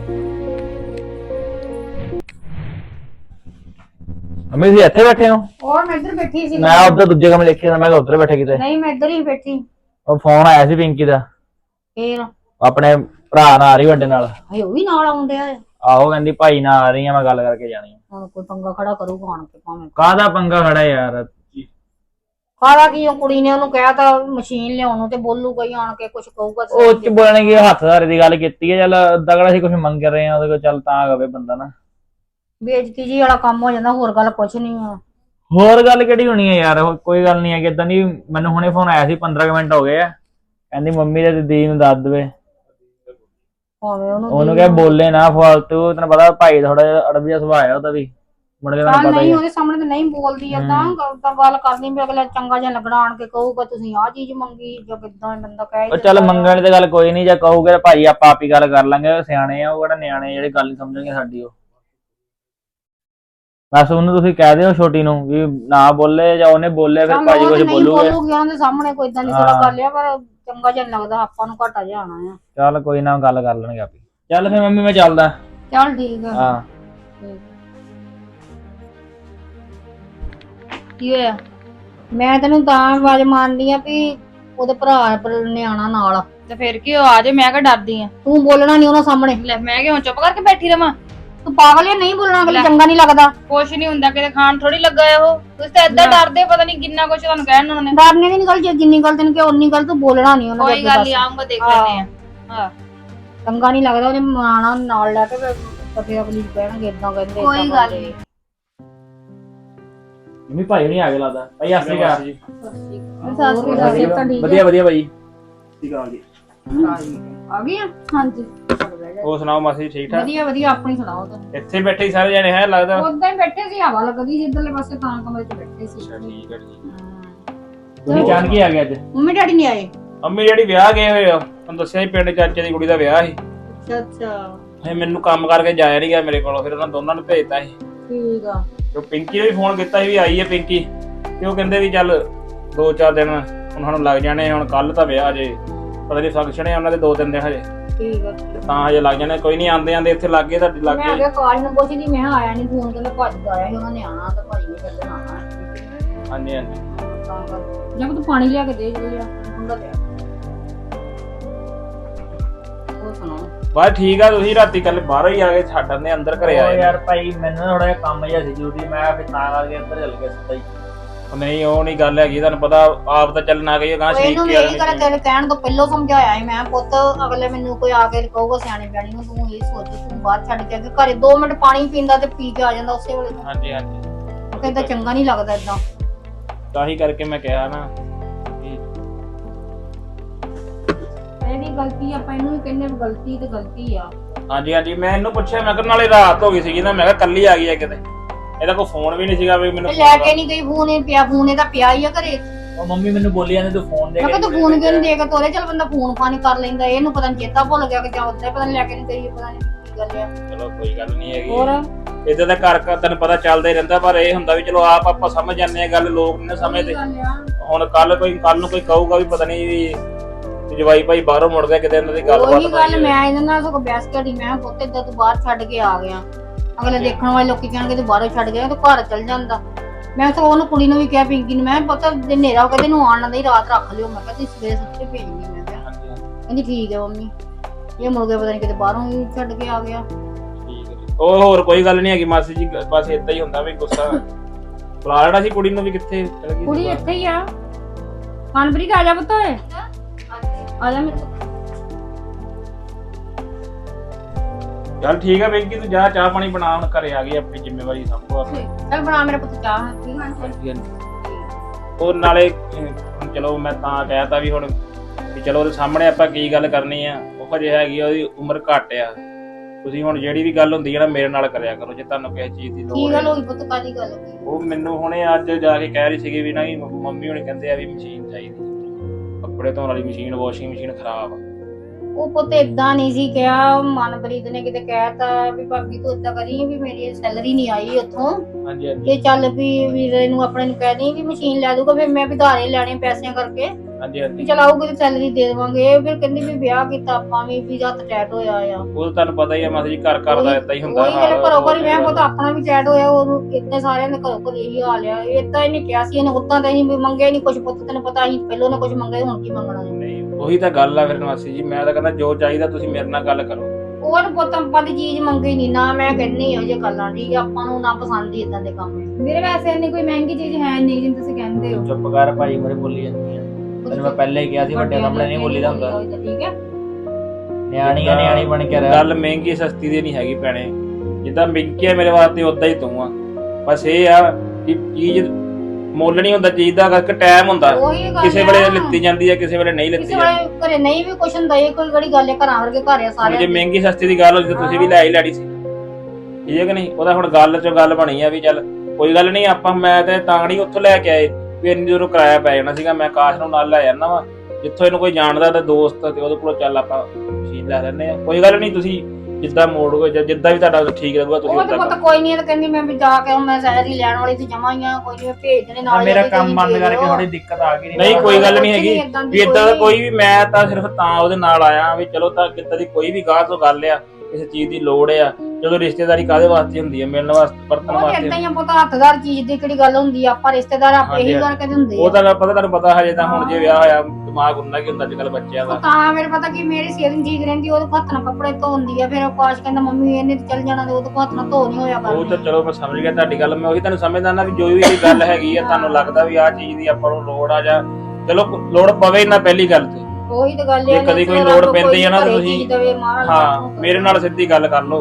S1: ਅਮੀ ਜੀ ਇੱਥੇ ਬੈਠੇ ਹੋ?
S3: ਹੋਰ ਮੈਂ ਇੱਧਰ ਬੈਠੀ ਸੀ।
S5: ਮੈਂ ਉੱਧਰ ਦੂਜੇ ਕਮਰੇ ਲਿਖਿਆ, ਮੈਂ ਉੱਧਰ ਬੈਠੇ ਕਿਤੇ।
S3: ਨਹੀਂ ਮੈਂ ਇੱਧਰ ਹੀ ਬੈਠੀ।
S5: ਉਹ ਫੋਨ ਆਇਆ ਸੀ ਪਿੰਕੀ ਦਾ,
S3: ਫੇਰ
S5: ਆਪਣੇ ਭਰਾ ਨਾਲ ਆ ਰਹੀ ਵੱਡੇ ਨਾਲ।
S3: ਹਏ ਉਹ ਵੀ ਨਾਲ ਆਉਂਦੇ ਆ।
S5: ਆਹੋ ਕਹਿੰਦੀ ਭਾਈ ਨਾਲ ਆ ਰਹੀ ਆ, ਮੈਂ ਗੱਲ ਕਰਕੇ ਜਾਣੀ ਆ।
S3: ਹੁਣ ਕੋਈ ਪੰਗਾ ਖੜਾ ਕਰੂਗਾ ਆਣ ਕੇ ਭਾਵੇਂ।
S5: ਕਾਹਦਾ ਪੰਗਾ ਖੜਾ ਯਾਰ?
S3: ਕਾਹਦਾ ਕੀ, ਉਹ ਕੁੜੀ ਨੇ ਉਹਨੂੰ ਕਿਹਾ ਤਾਂ ਮਸ਼ੀਨ ਲਿਆਉਣ ਨੂੰ, ਤੇ ਬੋਲੂਗਾ ਹੀ ਆਣ ਕੇ, ਕੁਝ ਕਹੂਗਾ।
S5: ਉਹ ਚ ਬੋਲਣੇ ਕੀ, ਹੱਥਦਾਰੇ ਦੀ ਗੱਲ ਕੀਤੀ ਹੈ। ਚੱਲ ਦਗੜਾ ਸੀ ਕੁਝ ਮੰਗ ਰਹੇ ਆ ਉਹਦੇ ਕੋਲ, ਚੱਲ ਤਾਂ ਗਵੇ ਬੰਦਾ ਨਾ।
S3: ਬੇਇੱਜ਼ਤੀ ਜੀ ਵਾਲਾ ਕੰਮ ਹੋ ਜਾਂਦਾ, ਹੋਰ ਗੱਲ ਕੁਛ ਨਹੀਂ ਆ।
S5: ਹੋਰ ਗੱਲ ਕਿਹੜੀ ਹੋਣੀ ਹੈ ਯਾਰ? ਕੋਈ ਗੱਲ ਨਹੀਂ ਹੈ ਕਿ ਏਦਾਂ ਦੀ। ਮੈਨੂੰ ਹੁਣੇ ਫੋਨ ਆਇਆ ਸੀ, 15 ਮਿੰਟ ਹੋ ਗਏ ਆ, ਕਹਿੰਦੀ ਮੰਮੀ ਤੇ ਦੀਦੀ ਨੂੰ ਦੱਸ ਦੇਵੇ।
S3: ਭਾਵੇਂ
S5: ਉਹਨੂੰ ਕਹਿ ਬੋਲੇ ਨਾ ਫਾਲਤੂ, ਤੈਨੂੰ ਪਤਾ ਭਾਈ ਥੋੜਾ ਜਿਹਾ ਅੜਬੀਆ ਸੁਭਾਅ ਹੈ ਉਹਦਾ ਵੀ, ਮੁੜ ਕੇ ਤੈਨੂੰ ਪਤਾ
S3: ਨਹੀਂ
S5: ਹੀ
S3: ਉਹਦੇ ਸਾਹਮਣੇ ਤਾਂ ਨਹੀਂ ਬੋਲਦੀ ਏਦਾਂ, ਤਾਂ ਗੱਲ ਕਰਨੀ ਵੀ ਅਗਲਾ ਚੰਗਾ ਜਿਹਾ ਲੱਗਣਾ, ਆਣ ਕੇ ਕਹੂਗਾ ਤੁਸੀਂ ਆਹ ਚੀਜ਼ ਮੰਗੀ, ਜਾਂ ਕਿੱਦਾਂ ਬੰਦਾ ਕਹੇ।
S5: ਉਹ ਚੱਲ ਮੰਗਣ ਦੀ ਤਾਂ ਗੱਲ ਕੋਈ ਨਹੀਂ, ਜੇ ਕਹੂਗੇ ਭਾਈ ਆਪਾਂ ਆਪ ਹੀ ਗੱਲ ਕਰ ਲਾਂਗੇ, ਸਿਆਣੇ ਆ ਉਹ, ਕਿਹੜਾ ਨਿਆਣੇ ਜਿਹੜੇ ਗੱਲ ਨਹੀਂ ਸਮਝਣਗੇ ਸਾਡੀ। ਉਹ ਬਸ ਉਹਨੂੰ ਤੁਸੀਂ ਕਹਿ ਦਿਓ ਛੋਟੀ ਨੂੰ ਵੀ ਨਾ ਬੋਲੇ, ਜਾਂ ਉਹਨੇ ਬੋਲੇ ਫਿਰ ਭਾਜੀ ਕੁਝ ਬੋਲੂਗੇ।
S3: ਉਹਦੇ ਸਾਹਮਣੇ ਕੋਈ ਇਦਾਂ ਦੀ ਥੋੜਾ ਗੱਲ ਆ, ਪਰ ਚੰਗਾ ਜਿਹਾ ਲੱਗਦਾ, ਆਪਾਂ ਨੂੰ ਘਾਟਾ ਜਿਹਾ ਆਣਾ ਆ।
S5: ਚੱਲ ਕੋਈ ਨਾ, ਗੱਲ ਕਰ ਲੈਣਗੇ ਆਪੇ। ਚੱਲ ਫਿਰ ਮੰਮੀ ਮੈਂ ਚੱਲਦਾ।
S3: ਚੱਲ ਠੀਕ ਆ।
S5: ਹਾਂ
S4: ਕੀ ਹੋਇਆ?
S3: ਮੈਂ ਤੈਨੂੰ ਤਾਂ ਆਵਾਜ਼ ਮਾਰਨੀ ਆ ਵੀ ਉਹਦੇ ਭਰਾ ਨੇ ਆਣਾ ਨਾਲ।
S4: ਤੇ ਫਿਰ ਕੀ ਹੋ, ਆ ਜੇ। ਮੈਂ ਕਿਹਾ ਡਰਦੀ ਆ?
S3: ਤੂੰ ਬੋਲਣਾ ਨਹੀਂ ਉਹਨਾਂ ਸਾਹਮਣੇ।
S4: ਲੈ ਮੈਂ ਕਿਉਂ ਚੁੱਪ ਕਰਕੇ ਬੈਠੀ ਰਵਾਂ?
S3: ਤੂੰ ਪਾਗਲ ਹੈ, ਨਹੀਂ ਬੋਲਣਾ, ਅਗਲੇ ਚੰਗਾ ਨਹੀਂ ਲੱਗਦਾ।
S4: ਕੁਛ ਨਹੀਂ ਹੁੰਦਾ, ਕਿਤੇ ਖਾਣ ਥੋੜੀ ਲੱਗਾ ਆ ਉਹ। ਤੁਸੀਂ ਤਾਂ ਏਦਾਂ ਡਰਦੇ, ਪਤਾ ਨਹੀਂ ਕਿੰਨਾ ਕੁਛ ਤੁਹਾਨੂੰ ਕਹਿਣ ਉਹਨਾਂ ਨੇ।
S3: ਡਰਨੇ ਦੀ ਗੱਲ, ਜੇ ਜਿੰਨੀ ਗੱਲ ਤੈਨੂੰ ਕਿ ਉਨੀ ਗੱਲ ਤੂੰ ਬੋਲਣਾ ਨਹੀਂ ਉਹਨਾਂ ਦੇ
S4: ਕੋਈ ਗੱਲ ਨਹੀਂ, ਆਉਂਗਾ ਦੇਖ ਲੈਂਦੇ ਆ। ਹਾਂ
S3: ਚੰਗਾ ਨਹੀਂ ਲੱਗਦਾ, ਉਹਨੇ ਮਾਣਾ ਨਾਲ ਲੈ ਕੇ ਫਿਰ ਅਗਲੀ ਕਹਿਣਗੇ ਏਦਾਂ ਕਹਿੰਦੇ।
S4: ਕੋਈ ਗੱਲ ਨਹੀਂ।
S5: ਮੰਮੀ ਭਾਈ ਨਹੀਂ ਆ ਗਏ ਲੱਗਦਾ। ਭਾਈ ਅਸਲੀ ਗਾ
S1: ਜੀ
S5: ਵਧੀਆ ਵਧੀਆ ਭਾਈ।
S1: ਠੀਕ ਆ ਜੀ।
S3: ਆ ਗਈ ਆ?
S2: ਹਾਂਜੀ
S1: ਹੋਰ ਸੁਣਾਓ ਮਾਸੀ ਜੀ, ਠੀਕ ਠਾਕ?
S3: ਵਧੀਆ ਵਧੀਆ, ਆਪਣੀ ਸੁਣਾਓ ਤਾਂ।
S1: ਇੱਥੇ ਬੈਠੇ ਹੀ ਸਾਰੇ ਜਣੇ ਹੈ ਲੱਗਦਾ।
S3: ਉਦਾਂ ਹੀ ਬੈਠੇ ਸੀ, ਹਵਾ ਲੱਗਦੀ ਸੀ ਇੱਧਰਲੇ ਪਾਸੇ, ਤਾਂ ਕਮਰੇ 'ਚ ਬੈਠੇ ਸੀ।
S1: ਠੀਕ ਹੈ ਜੀ।
S5: ਤੁਸੀਂ ਅਚਾਨਕ ਹੀ ਆ ਗਏ ਅੱਜ?
S3: ਮੰਮੀ ਡੈਡੀ ਨਹੀਂ ਆਏ?
S1: ਅੰਮੀ ਜਿਹੜੀ ਵਿਆਹ ਗਏ ਹੋਏ ਆ, ਤੁਹਾਨੂੰ ਦੱਸਿਆ ਸੀ ਪਿੰਡ ਚਾਚੇ ਦੀ ਕੁੜੀ ਦਾ ਵਿਆਹ ਸੀ।
S3: ਅੱਛਾ ਅੱਛਾ,
S1: ਫੇ ਮੈਨੂੰ ਕੰਮ ਕਰਕੇ ਜਾਇਆ ਨਹੀਂ ਗਿਆ ਮੇਰੇ ਕੋਲੋਂ, ਫਿਰ ਉਹਨਾਂ ਦੋਨਾਂ ਨੂੰ ਭੇਜਤਾ ਸੀ।
S3: ਠੀਕ ਆ।
S1: ਤੇ ਪਿੰਕੀ ਨੇ ਵੀ ਫੋਨ ਕੀਤਾ ਸੀ ਵੀ ਆਈ ਹੈ ਪਿੰਕੀ, ਤੇ ਉਹ ਕਹਿੰਦੇ ਵੀ ਚੱਲ 2-4 ਦਿਨ ਹੁਣ ਸਾਨੂੰ ਲੱਗ ਜਾਣੇ, ਹੁਣ ਕੱਲ ਤਾਂ ਵਿਆਹ ਜੇ ਪਤਾ ਨਹੀਂ ਫੰਕਸ਼ਨ ਹੈ ਉਹਨਾਂ ਦੇ 2-3 ਦਿਨ ਹਜੇ,
S3: ਠੀਕ ਆ।
S1: ਤਾਂ ਹਜੇ ਲੱਗ ਜਾਣੇ। ਕੋਈ ਨਹੀਂ, ਆਂਦੇ ਆਂਦੇ ਇੱਥੇ ਲੱਗੇ ਤੁਹਾਡੇ
S3: ਮੈਂ
S1: ਲੱਗੇ।
S3: ਅੱਗੇ ਕਾਲ ਨੂੰ ਪੁੱਛਦੀ, ਮੈਂ ਕਿਹਾ ਆਇਆ ਨਹੀਂ ਫੋਨ, ਕਹਿੰਦਾ ਭੱਜ ਆਇਆ ਸੀ, ਉਹਨਾਂ ਨੇ ਆਣਾ ਤਾਂ ਭਾਈ ਨੇ ਕਹਿੰਦਾ ਆਣਾ।
S1: ਹਾਂਜੀ ਹਾਂਜੀ।
S3: ਤਾਂ ਕਰ ਜਦ ਤੂੰ ਪਾਣੀ ਲਿਆ ਕੇ ਦੇ ਜੀ ਆ ਹੁੰਦਾ ਲਿਆ। ਉਹ ਸੁਣਾਓ।
S1: ਬਸ ਠੀਕ ਆ। ਤੁਸੀਂ ਰਾਤੀ ਕੱਲ ਬਾਹਰੋਂ ਹੀ ਆ ਗਏ, ਛੱਡ ਆਂਦੇ ਅੰਦਰ ਘਰੇ
S5: ਉਹ
S1: ਆਏ।
S5: ਯਾਰ ਭਾਈ ਮੈਨੂੰ ਥੋੜਾ ਜਿਹਾ ਕੰਮ ਜਿਹਾ ਸੀ ਜ਼ਰੂਰੀ, ਮੈਂ ਫਿਰ ਤਾਂ ਕਰਕੇ ਇੱਧਰ ਚੱਲ ਗਿਆ ਸਿੱਧਾ ਹੀ।
S1: ਉਹ ਨਹੀਂ, ਉਹ ਨਹੀਂ ਗੱਲ ਹੈਗੀ, ਤੁਹਾਨੂੰ ਪਤਾ ਆਪ ਤਾਂ ਚੱਲਣਾ ਗਈ ਗਾਂ ਸ਼ਰੀਕ
S3: ਇਹਨੂੰ ਇਹੀ ਕਰ ਤੇਰੇ ਕਹਿਣ ਤੋਂ ਪਹਿਲਾਂ ਸਮਝਾਇਆ ਸੀ ਮੈਂ, ਪੁੱਤ ਅਗਲੇ ਮੈਨੂੰ ਕੋਈ ਆ ਕੇ ਕਹੂਗਾ ਸਿਆਣੇ ਬਿਆਣੀ ਨੂੰ, ਤੂੰ ਇਹ ਸੋਚ ਤੂੰ ਬਾਹਰ ਛੱਡ ਕੇ ਘਰੇ 2 ਮਿੰਟ ਪਾਣੀ ਪੀਂਦਾ ਤੇ ਪੀ ਕੇ ਆ ਜਾਂਦਾ ਉਸੇ ਵੇਲੇ।
S1: ਹਾਂਜੀ ਹਾਂਜੀ।
S3: ਕਹਿੰਦਾ ਚੰਗਾ ਨਹੀਂ ਲੱਗਦਾ ਏਦਾਂ।
S1: ਤਾਂ ਹੀ ਕਰਕੇ ਮੈਂ ਕਿਹਾ ਨਾ ਕਿ
S3: ਇਹਦੀ ਗਲਤੀ ਆਪਾਂ ਇਹਨੂੰ ਵੀ ਕਹਿੰਦੇ ਗਲਤੀ ਤੇ ਗਲਤੀ ਆ।
S1: ਹਾਂਜੀ ਹਾਂਜੀ। ਮੈਂ ਇਹਨੂੰ ਪੁੱਛਿਆ, ਮੈਂ ਕਿਹਾ ਨਾਲੇ ਰਾਤ ਹੋ ਗਈ ਸੀਗੀ ਨਾ, ਮੈਂ ਕਿਹਾ ਕੱਲੀ ਆ ਗਈ ਹੈ ਕਿਤੇ, ਇਹਦਾ ਕੋਈ ਫੋਨ ਵੀ ਨਹੀਂ ਸੀਗਾ ਵੀ ਮੈਨੂੰ
S3: ਲੈ ਕੇ ਨਹੀਂ ਗਈ ਫੋਨ, ਇਹ ਪਿਆ ਫੋਨ ਇਹਦਾ ਪਿਆ ਹੀ ਆ ਘਰੇ।
S5: ਉਹ ਮੰਮੀ ਮੈਨੂੰ ਬੋਲੀ ਜਾਂਦੇ ਤੂੰ ਫੋਨ ਦੇ
S3: ਮੈਂ ਕਿਹਾ ਤੂੰ ਫੋਨ ਕਿਉਂ ਨਹੀਂ ਦੇ ਕੇ ਤੋਰੇ, ਚੱਲ ਬੰਦਾ ਫੋਨ ਫਾਨੀ ਕਰ ਲੈਂਦਾ, ਇਹਨੂੰ ਪਤਾ ਨਹੀਂ ਚੇਤਾ ਭੁੱਲ ਗਿਆ ਕਿ ਜਾਂ ਉੱਦਾਂ ਪਤਾ ਨਹੀਂ ਲੈ ਕੇ ਨਹੀਂ ਗਈ, ਪਤਾ ਨਹੀਂ ਕੀ ਗੱਲ ਆ।
S1: ਚਲੋ ਕੋਈ ਗੱਲ ਨਹੀਂ ਹੈਗੀ।
S3: ਹੋਰ
S1: ਇਦਾਂ ਦਾ ਘਰ ਤੈਨੂੰ ਪਤਾ ਚੱਲਦਾ ਹੀ ਰਹਿੰਦਾ, ਪਰ ਇਹ ਹੁੰਦਾ ਵੀ ਚਲੋ ਆਪ ਆਪਾਂ ਸਮਝ ਜਾਂਦੇ ਆ ਗੱਲ, ਲੋਕ ਨਹੀਂ ਨਾ ਸਮਝਦੇ। ਹੁਣ ਕੱਲ ਨੂੰ ਕੋਈ ਕਹੂਗਾ ਵੀ ਪਤਾ ਨਹੀਂ ਵੀ ਜਵਾਈ ਭਾਈ ਬਾਹਰੋਂ ਮੁੜ ਗਿਆ, ਕਿਤੇ ਇਹਨਾਂ ਦੀ ਗੱਲਬਾਤ
S3: ਉਹੀ ਗੱਲ ਮੈਂ ਇਹਨਾਂ ਨਾਲ ਸਗੋਂ ਬਹਿਸ ਕਰੀ, ਮੈਂ ਪੁੱਤ ਏਦਾਂ ਤੂੰ ਬਾਹਰ ਛੱਡ ਕੇ ਆ ਗਿਆ, ਅਗਲੇ ਦੇਖਣ ਵਾਲੇ ਲੋਕੀ ਕਹਿਣਗੇ ਤੂੰ ਬਾਹਰੋਂ ਛੱਡ ਗਿਆ, ਤੂੰ ਘਰ ਚੱਲ ਜਾਂਦਾ। ਮੈਂ ਤਾਂ ਉਹਨੂੰ ਕੁੜੀ ਨੂੰ ਵੀ ਕਿਹਾ, ਪਿੰਕੀ ਨੂੰ, ਮੈਂ ਪਤਾ ਜੇ ਹਨੇਰਾ ਹੋ ਗਿਆ ਤੈਨੂੰ ਆਉਣ ਨਾ ਦੇਈ, ਰਾਤ ਰੱਖ ਲਿਓ। ਮੈਂ ਕਿਹਾ ਤੁਸੀਂ ਸਵੇਰੇ ਸੁੱਤੇ ਭੇਜਣੀ। ਮੈਂ ਕਿਹਾ ਕਹਿੰਦੀ ਠੀਕ ਹੈ ਮੰਮੀ। ਇਹ ਮੁੜ ਗਿਆ, ਪਤਾ ਨਹੀਂ ਕਿਤੇ ਬਾਹਰੋਂ ਹੀ ਛੱਡ ਕੇ ਆ ਗਿਆ।
S1: ਉਹ ਹੋਰ ਕੋਈ ਗੱਲ ਨਹੀਂ ਹੈਗੀ ਮਾਸੀ ਜੀ, ਬਸ ਏਦਾਂ ਹੀ ਹੁੰਦਾ ਵੀ ਗੁੱਸਾ ਬੁਲਾ ਲੈਣਾ ਸੀ ਕੁੜੀ ਨੂੰ ਵੀ, ਕਿੱਥੇ ਚਲ ਗਈ
S3: ਕੁੜੀ ਇੱਥੇ ਹੀ ਆ। ਮਨਪ੍ਰੀਤ ਆ ਜਾ ਪੁੱਤ, ਓਏ ਆ ਜਾ ਮੇਰੇ ਕੋਲ।
S1: ਚੱਲ ਠੀਕ ਹੈ ਪਿੰਕੀ, ਤੂੰ ਜਾ ਚਾਹ ਪਾਣੀ ਬਣਾ, ਹੁਣ ਘਰੇ ਆ ਗਈ, ਆਪਣੀ ਜ਼ਿੰਮੇਵਾਰੀ ਸੰਭੋ ਆਪਣੀ।
S3: ਚੱਲ ਬਣਾ ਮੇਰੇ ਪੁੱਤ ਚਾਹ, ਠੀਕ ਆ।
S1: ਉਹ ਨਾਲੇ ਚਲੋ ਮੈਂ ਤਾਂ ਕਹਿਤਾ ਵੀ ਹੁਣ ਵੀ ਚਲੋ ਉਹਦੇ ਸਾਹਮਣੇ ਆਪਾਂ ਕੀ ਗੱਲ ਕਰਨੀ ਆ, ਉਹ ਹਜੇ ਹੈਗੀ, ਉਹਦੀ ਉਮਰ ਘੱਟ ਆ। ਤੁਸੀਂ ਹੁਣ ਜਿਹੜੀ ਵੀ ਗੱਲ ਹੁੰਦੀ ਹੈ ਨਾ ਮੇਰੇ ਨਾਲ ਕਰਿਆ ਕਰੋ, ਜੇ ਤੁਹਾਨੂੰ ਕਿਸੇ ਚੀਜ਼ ਦੀ
S3: ਕੀ
S1: ਲੋੜ
S3: ਗੱਲ
S1: ਹੈ।
S3: ਹੋਈ ਪੁੱਤ, ਕਾਹਦੀ ਗੱਲ ਹੋਈ?
S1: ਉਹ ਮੈਨੂੰ ਹੁਣੇ ਅੱਜ ਜਾ ਕੇ ਕਹਿ ਰਹੀ ਸੀਗੀ ਵੀ ਨਾ ਕਿ ਮੰਮੀ ਹੁਣੇ ਕਹਿੰਦੇ ਆ ਵੀ ਮਸ਼ੀਨ ਚਾਹੀਦੀ, ਕੱਪੜੇ ਧੋਣ ਵਾਲੀ ਮਸ਼ੀਨ, ਵਾਸ਼ਿੰਗ ਮਸ਼ੀਨ ਖਰਾਬ ਆ।
S3: ਉਹ ਪੁੱਤ ਏਦਾਂ ਨਹੀਂ ਸੀ ਕਿਹਾ, ਮਨਪ੍ਰੀਤ ਨੇ ਕਿਤੇ ਕਹਿਤਾ ਵੀ ਭਾਬੀ ਤੂੰ ਏਦਾਂ ਕਰੀ ਵੀ ਮੇਰੀ ਸੈਲਰੀ ਨਹੀਂ ਆਈ ਉੱਥੋਂ,
S1: ਹਾਂਜੀ ਹਾਂਜੀ
S3: ਤੇ ਚੱਲ ਵੀ ਵੀਰੇ ਨੂੰ ਆਪਣੇ ਨੂੰ ਕਹਿ ਦੀ ਵੀ ਮਸ਼ੀਨ ਲੈ ਦੂਗਾ, ਫਿਰ ਮੈਂ ਵੀ ਧਾਰੇ ਲੈਣੇ ਪੈਸਿਆਂ ਕਰਕੇ,
S1: ਹਾਂਜੀ
S3: ਵੀ
S1: ਹਾਂਜੀ।
S3: ਚਲ ਆਊਗੀ ਤੇ ਸੈਲਰੀ ਦੇ ਦੇਵਾਂਗੇ। ਇਹ ਫਿਰ ਕਹਿੰਦੀ ਵੀ ਵਿਆਹ ਕੀਤਾ ਆਪਾਂ ਵੀ ਹੱਥ ਟੈਟ ਹੋਇਆ ਆ।
S1: ਉਹ ਤਾਂ ਤੁਹਾਨੂੰ ਪਤਾ ਹੀ ਆ ਮਾਸੀ ਜੀ, ਘਰ ਘਰ ਦਾ ਏਦਾਂ ਹੀ ਹੁੰਦਾ।
S3: ਉਹੀ ਮੇਰੇ ਘਰੋਂ ਘਰੀ ਮੈਂ ਪੁੱਤ ਆਪਣਾ ਵੀ ਟੈਟ ਹੋਇਆ, ਉਹਨੂੰ ਇੱਥੇ ਸਾਰਿਆਂ ਦੇ ਘਰੋਂ ਘਰੀ ਇਹੀ ਹਾਲ ਆ। ਏਦਾਂ ਹੀ ਨਹੀਂ ਕਿਹਾ ਸੀ ਇਹਨੇ, ਉਦਾਂ ਤਾਂ ਅਸੀਂ ਵੀ ਮੰਗਿਆ ਨਹੀਂ ਕੁਛ ਪੁੱਤ, ਤੈਨੂੰ ਪਤਾ ਅਸੀਂ ਪਹਿਲੋਂ ਨੇ ਕੁਛ ਮੰਗਿਆ, ਹੁਣ ਕੀ ਮੰਗਣਾ ਹੈ।
S1: ਨਹੀਂ ਉਹੀ ਤਾਂ ਗੱਲ ਆ ਫਿਰ ਮਾਸੀ ਜੀ, ਮੈਂ ਤਾਂ ਕਹਿੰਦਾ ਜੋ ਚਾਹੀਦਾ ਤੁਸੀਂ ਮੇਰੇ ਨਾਲ ਗੱਲ ਕਰੋ।
S3: ਉਹ ਪੁੱਤ ਆਪਾਂ ਦੀ ਚੀਜ਼ ਮੰਗੀ ਨਹੀਂ ਨਾ, ਮੈਂ ਕਹਿੰਨੀ ਇਹੋ ਜਿਹੇ ਗੱਲਾਂ, ਠੀਕ ਆ, ਆਪਾਂ ਨੂੰ ਨਾ ਪਸੰਦ ਹੀ ਇਦਾਂ ਦੇ ਕੰਮ।
S4: ਵੀਰੇ ਵੈਸੇ ਇੰਨੀ ਕੋਈ ਮਹਿੰਗੀ ਚੀਜ਼ ਹੈ ਨਹੀਂ ਜਿਵੇਂ ਤੁਸੀਂ ਕਹਿੰਦੇ ਹੋ।
S5: ਚੁੱਪ ਕਰ ਭਾਈ, ਮੇਰੇ ਬੋਲੀ ਜਾਂਦੀ ਆ। ਤੈਨੂੰ ਮੈਂ ਪਹਿਲੇ ਹੀ ਕਿਹਾ ਸੀ ਵੱਡੇ ਸਾਹਮਣੇ ਨਹੀਂ ਬੋਲੀਦਾ ਹੁੰਦਾ।
S3: ਠੀਕ ਹੈ,
S5: ਨਿਆਣੀ ਬਣ ਕੇ ਰਹਿ।
S1: ਗੱਲ ਮਹਿੰਗੀ ਸਸਤੀ ਦੀ ਨਹੀਂ ਹੈਗੀ ਭੈਣੇ, ਜਿੱਦਾਂ ਮਿੰਕੀ ਆ ਮੇਰੇ ਵਾਸਤੇ ਉਦਾਂ ਹੀ ਤੂੰ ਆ। ਬਸ ਇਹ ਆ ਕਿ ਚੀਜ਼ ਮੁੱਲ ਨਹੀਂ ਹੁੰਦਾ ਚੀਜ਼ ਦਾ, ਕਰਕੇ ਟਾਈਮ ਹੁੰਦਾ,
S3: ਉਹੀ ਗੱਲ
S1: ਕਿਸੇ ਵੇਲੇ ਲਿੱਤੀ ਜਾਂਦੀ ਹੈ, ਕਿਸੇ ਵੇਲੇ ਨਹੀਂ ਲਿੱਤੀ
S3: ਕਿਸੇ
S1: ਜਾਂਦੀ।
S3: ਵੇਲੇ ਘਰੇ ਨਹੀਂ ਵੀ ਕੁਛ ਹੁੰਦਾ, ਇਹ ਕੋਈ ਗੜੀ ਗੱਲ ਹੈ, ਘਰਾਂ ਵਰਗੇ ਘਰ ਆ
S1: ਹੁਣ
S3: ਸਾਰੇ।
S1: ਜੇ ਮਹਿੰਗੀ ਸਸਤੀ ਦੀ ਗੱਲ ਹੋਈ ਤਾਂ ਤੁਸੀਂ ਵੀ ਲੈ ਹੀ ਲੈਣੀ ਸੀ, ਠੀਕ ਹੈ ਕਿ ਨਹੀਂ? ਉਹਦਾ ਹੁਣ ਗੱਲ ਚੋਂ ਗੱਲ ਬਣੀ ਆ ਵੀ ਚੱਲ ਕੋਈ ਗੱਲ ਨਹੀਂ, ਆਪਾਂ ਮੈਂ ਤੇ ਤਾਂ ਨਹੀਂ ਉੱਥੋਂ ਲੈ ਕੇ ਆਏ ਵੀ ਇੰਨੀ ਦੂਰੋਂ ਕਿਰਾਇਆ ਪੈ ਜਾਣਾ ਸੀਗਾ। ਮੈਂ ਆਕਾਸ਼ ਨੂੰ ਨਾਲ ਲੈ ਜਾਣਾ ਵਾ, ਜਿੱਥੋਂ ਇਹਨੂੰ ਕੋਈ ਜਾਣਦਾ ਤਾਂ ਦੋਸਤ, ਤੇ ਉਹਦੇ ਕੋਲੋਂ ਚੱਲ ਆਪਾਂ ਮਸ਼ੀਨ ਲੈ ਲੈਂਦੇ ਆ। ਕੋਈ ਗੱਲ ਨਹੀਂ, ਤੁਸੀਂ ਜਿੱਦਾਂ ਮੋੜੋਗੇ ਜਾਂ ਜਿੱਦਾਂ ਵੀ ਤੁਹਾਡਾ ਠੀਕ ਲੱਗੂਗਾ ਤੁਸੀਂ
S3: ਉਹ ਤਾਂ
S1: ਉਦਾਂ
S3: ਪਤਾ ਕੋਈ ਨਹੀਂ, ਤਾਂ ਕਹਿੰਦੀ ਮੈਂ ਵੀ ਜਾ ਕੇ ਮੈਂ ਸੈਲਰੀ ਲੈਣ ਵਾਲੀ ਸੀ, ਜਮਾ ਹੀ ਆ, ਕੋਈ ਨਹੀਂ ਭੇਜ ਦੇਣੇ ਨਾਲ।
S5: ਮੇਰਾ ਕੰਮ ਬੰਦ ਕਰਕੇ ਥੋੜੀ ਦਿੱਕਤ ਆ ਗਈ।
S1: ਨਹੀਂ ਕੋਈ ਗੱਲ ਨਹੀਂ ਹੈਗੀ ਵੀ ਇਦਾਂ ਦਾ ਕੋਈ ਵੀ, ਮੈਂ ਤਾਂ ਸਿਰਫ ਤਾਂ ਉਹਦੇ ਨਾਲ ਆਇਆ ਵੀ ਚਲੋ ਤਾਂ ਕਿੱਦਾਂ ਦੀ ਕੋਈ ਵੀ ਗਾਹ ਤੋਂ ਗੱਲ ਆ, ਕਿਸੇ ਚੀਜ਼ ਦੀ ਲੋੜ ਆ, ਜਦੋਂ ਰਿਸ਼ਤੇਦਾਰੀ ਕਾਹਦੇ ਵਾਸਤੇ ਹੁੰਦੀ ਹੈ, ਮਿਲਣ ਵਾਸਤੇ, ਵਰਤਣ
S3: ਉਹ
S1: ਵਾਸਤੇ।
S3: ਇਦਾਂ ਹੀ ਆ ਪੁੱਤ, ਹੱਥਦਾਰ ਚੀਜ਼ ਦੀ ਕਿਹੜੀ ਗੱਲ ਹੁੰਦੀ ਆ, ਆਪਾਂ ਰਿਸ਼ਤੇਦਾਰ ਆਪੇ ਹੀ ਕਰਕੇ ਦਿੰਦੇ
S1: ਉਹ
S3: ਆ।
S1: ਤਾਂ ਪਤਾ, ਤੁਹਾਨੂੰ ਪਤਾ ਹਜੇ ਤਾਂ ਹੁਣ ਜੇ ਵਿਆਹ ਹੋਇਆ ਦਿਮਾਗ ਹੁੰਦਾ ਕਿ ਹੁੰਦਾ ਅੱਜ ਕੱਲ ਬੱਚਿਆਂ ਦਾ।
S3: ਤਾਂ ਮੇਰੇ ਪਤਾ ਕੀ ਮੇਰੀ ਸਿਹਤ ਨੀ ਠੀਕ ਰਹਿੰਦੀ, ਉਹਦੇ ਹੱਥ ਨਾਲ ਕੱਪੜੇ ਧੋਂਦੀ ਆ, ਫਿਰ ਆਕਾਸ਼ ਕਹਿੰਦਾ ਮੰਮੀ ਇਹਨੇ ਤੇ ਚੱਲ ਜਾਣਾ, ਤੇ ਉਹਦੇ ਹੱਥ ਨਾਲ ਧੋ ਨਹੀਂ ਹੋਇਆ
S1: ਉਹ ਤਾਂ
S3: ਕਰਨੀ।
S1: ਚਲੋ ਮੈਂ ਸਮਝ ਗਿਆ ਤੁਹਾਡੀ ਗੱਲ, ਮੈਂ ਉਹੀ ਤੁਹਾਨੂੰ ਸਮਝਦਾ ਨਾ ਵੀ ਜੋ ਵੀ ਇਹ ਗੱਲ ਹੈਗੀ ਆ, ਤੁਹਾਨੂੰ ਲੱਗਦਾ ਵੀ ਆਹ ਚੀਜ਼ ਦੀ ਆਪਾਂ ਨੂੰ ਲੋੜ ਆ, ਜਾਂ ਚਲੋ ਲੋੜ ਪਵੇ ਨਾ ਪਹਿਲੀ ਗੱਲ ਤੇ।
S3: ਉਹੀ ਤਾਂ ਗੱਲ
S1: ਜੇ
S3: ਹੈ,
S1: ਕਦੀ ਕੋਈ ਲੋੜ ਪੈਂਦੀ ਆ ਨਾ ਤਾਂ ਤੁਸੀਂ
S3: ਦੇਵੇ ਮਹਾਰਾਜ
S1: ਹਾਂ ਮੇਰੇ ਨਾਲ ਸਿੱਧੀ ਗੱਲ ਕਰ ਲਓ,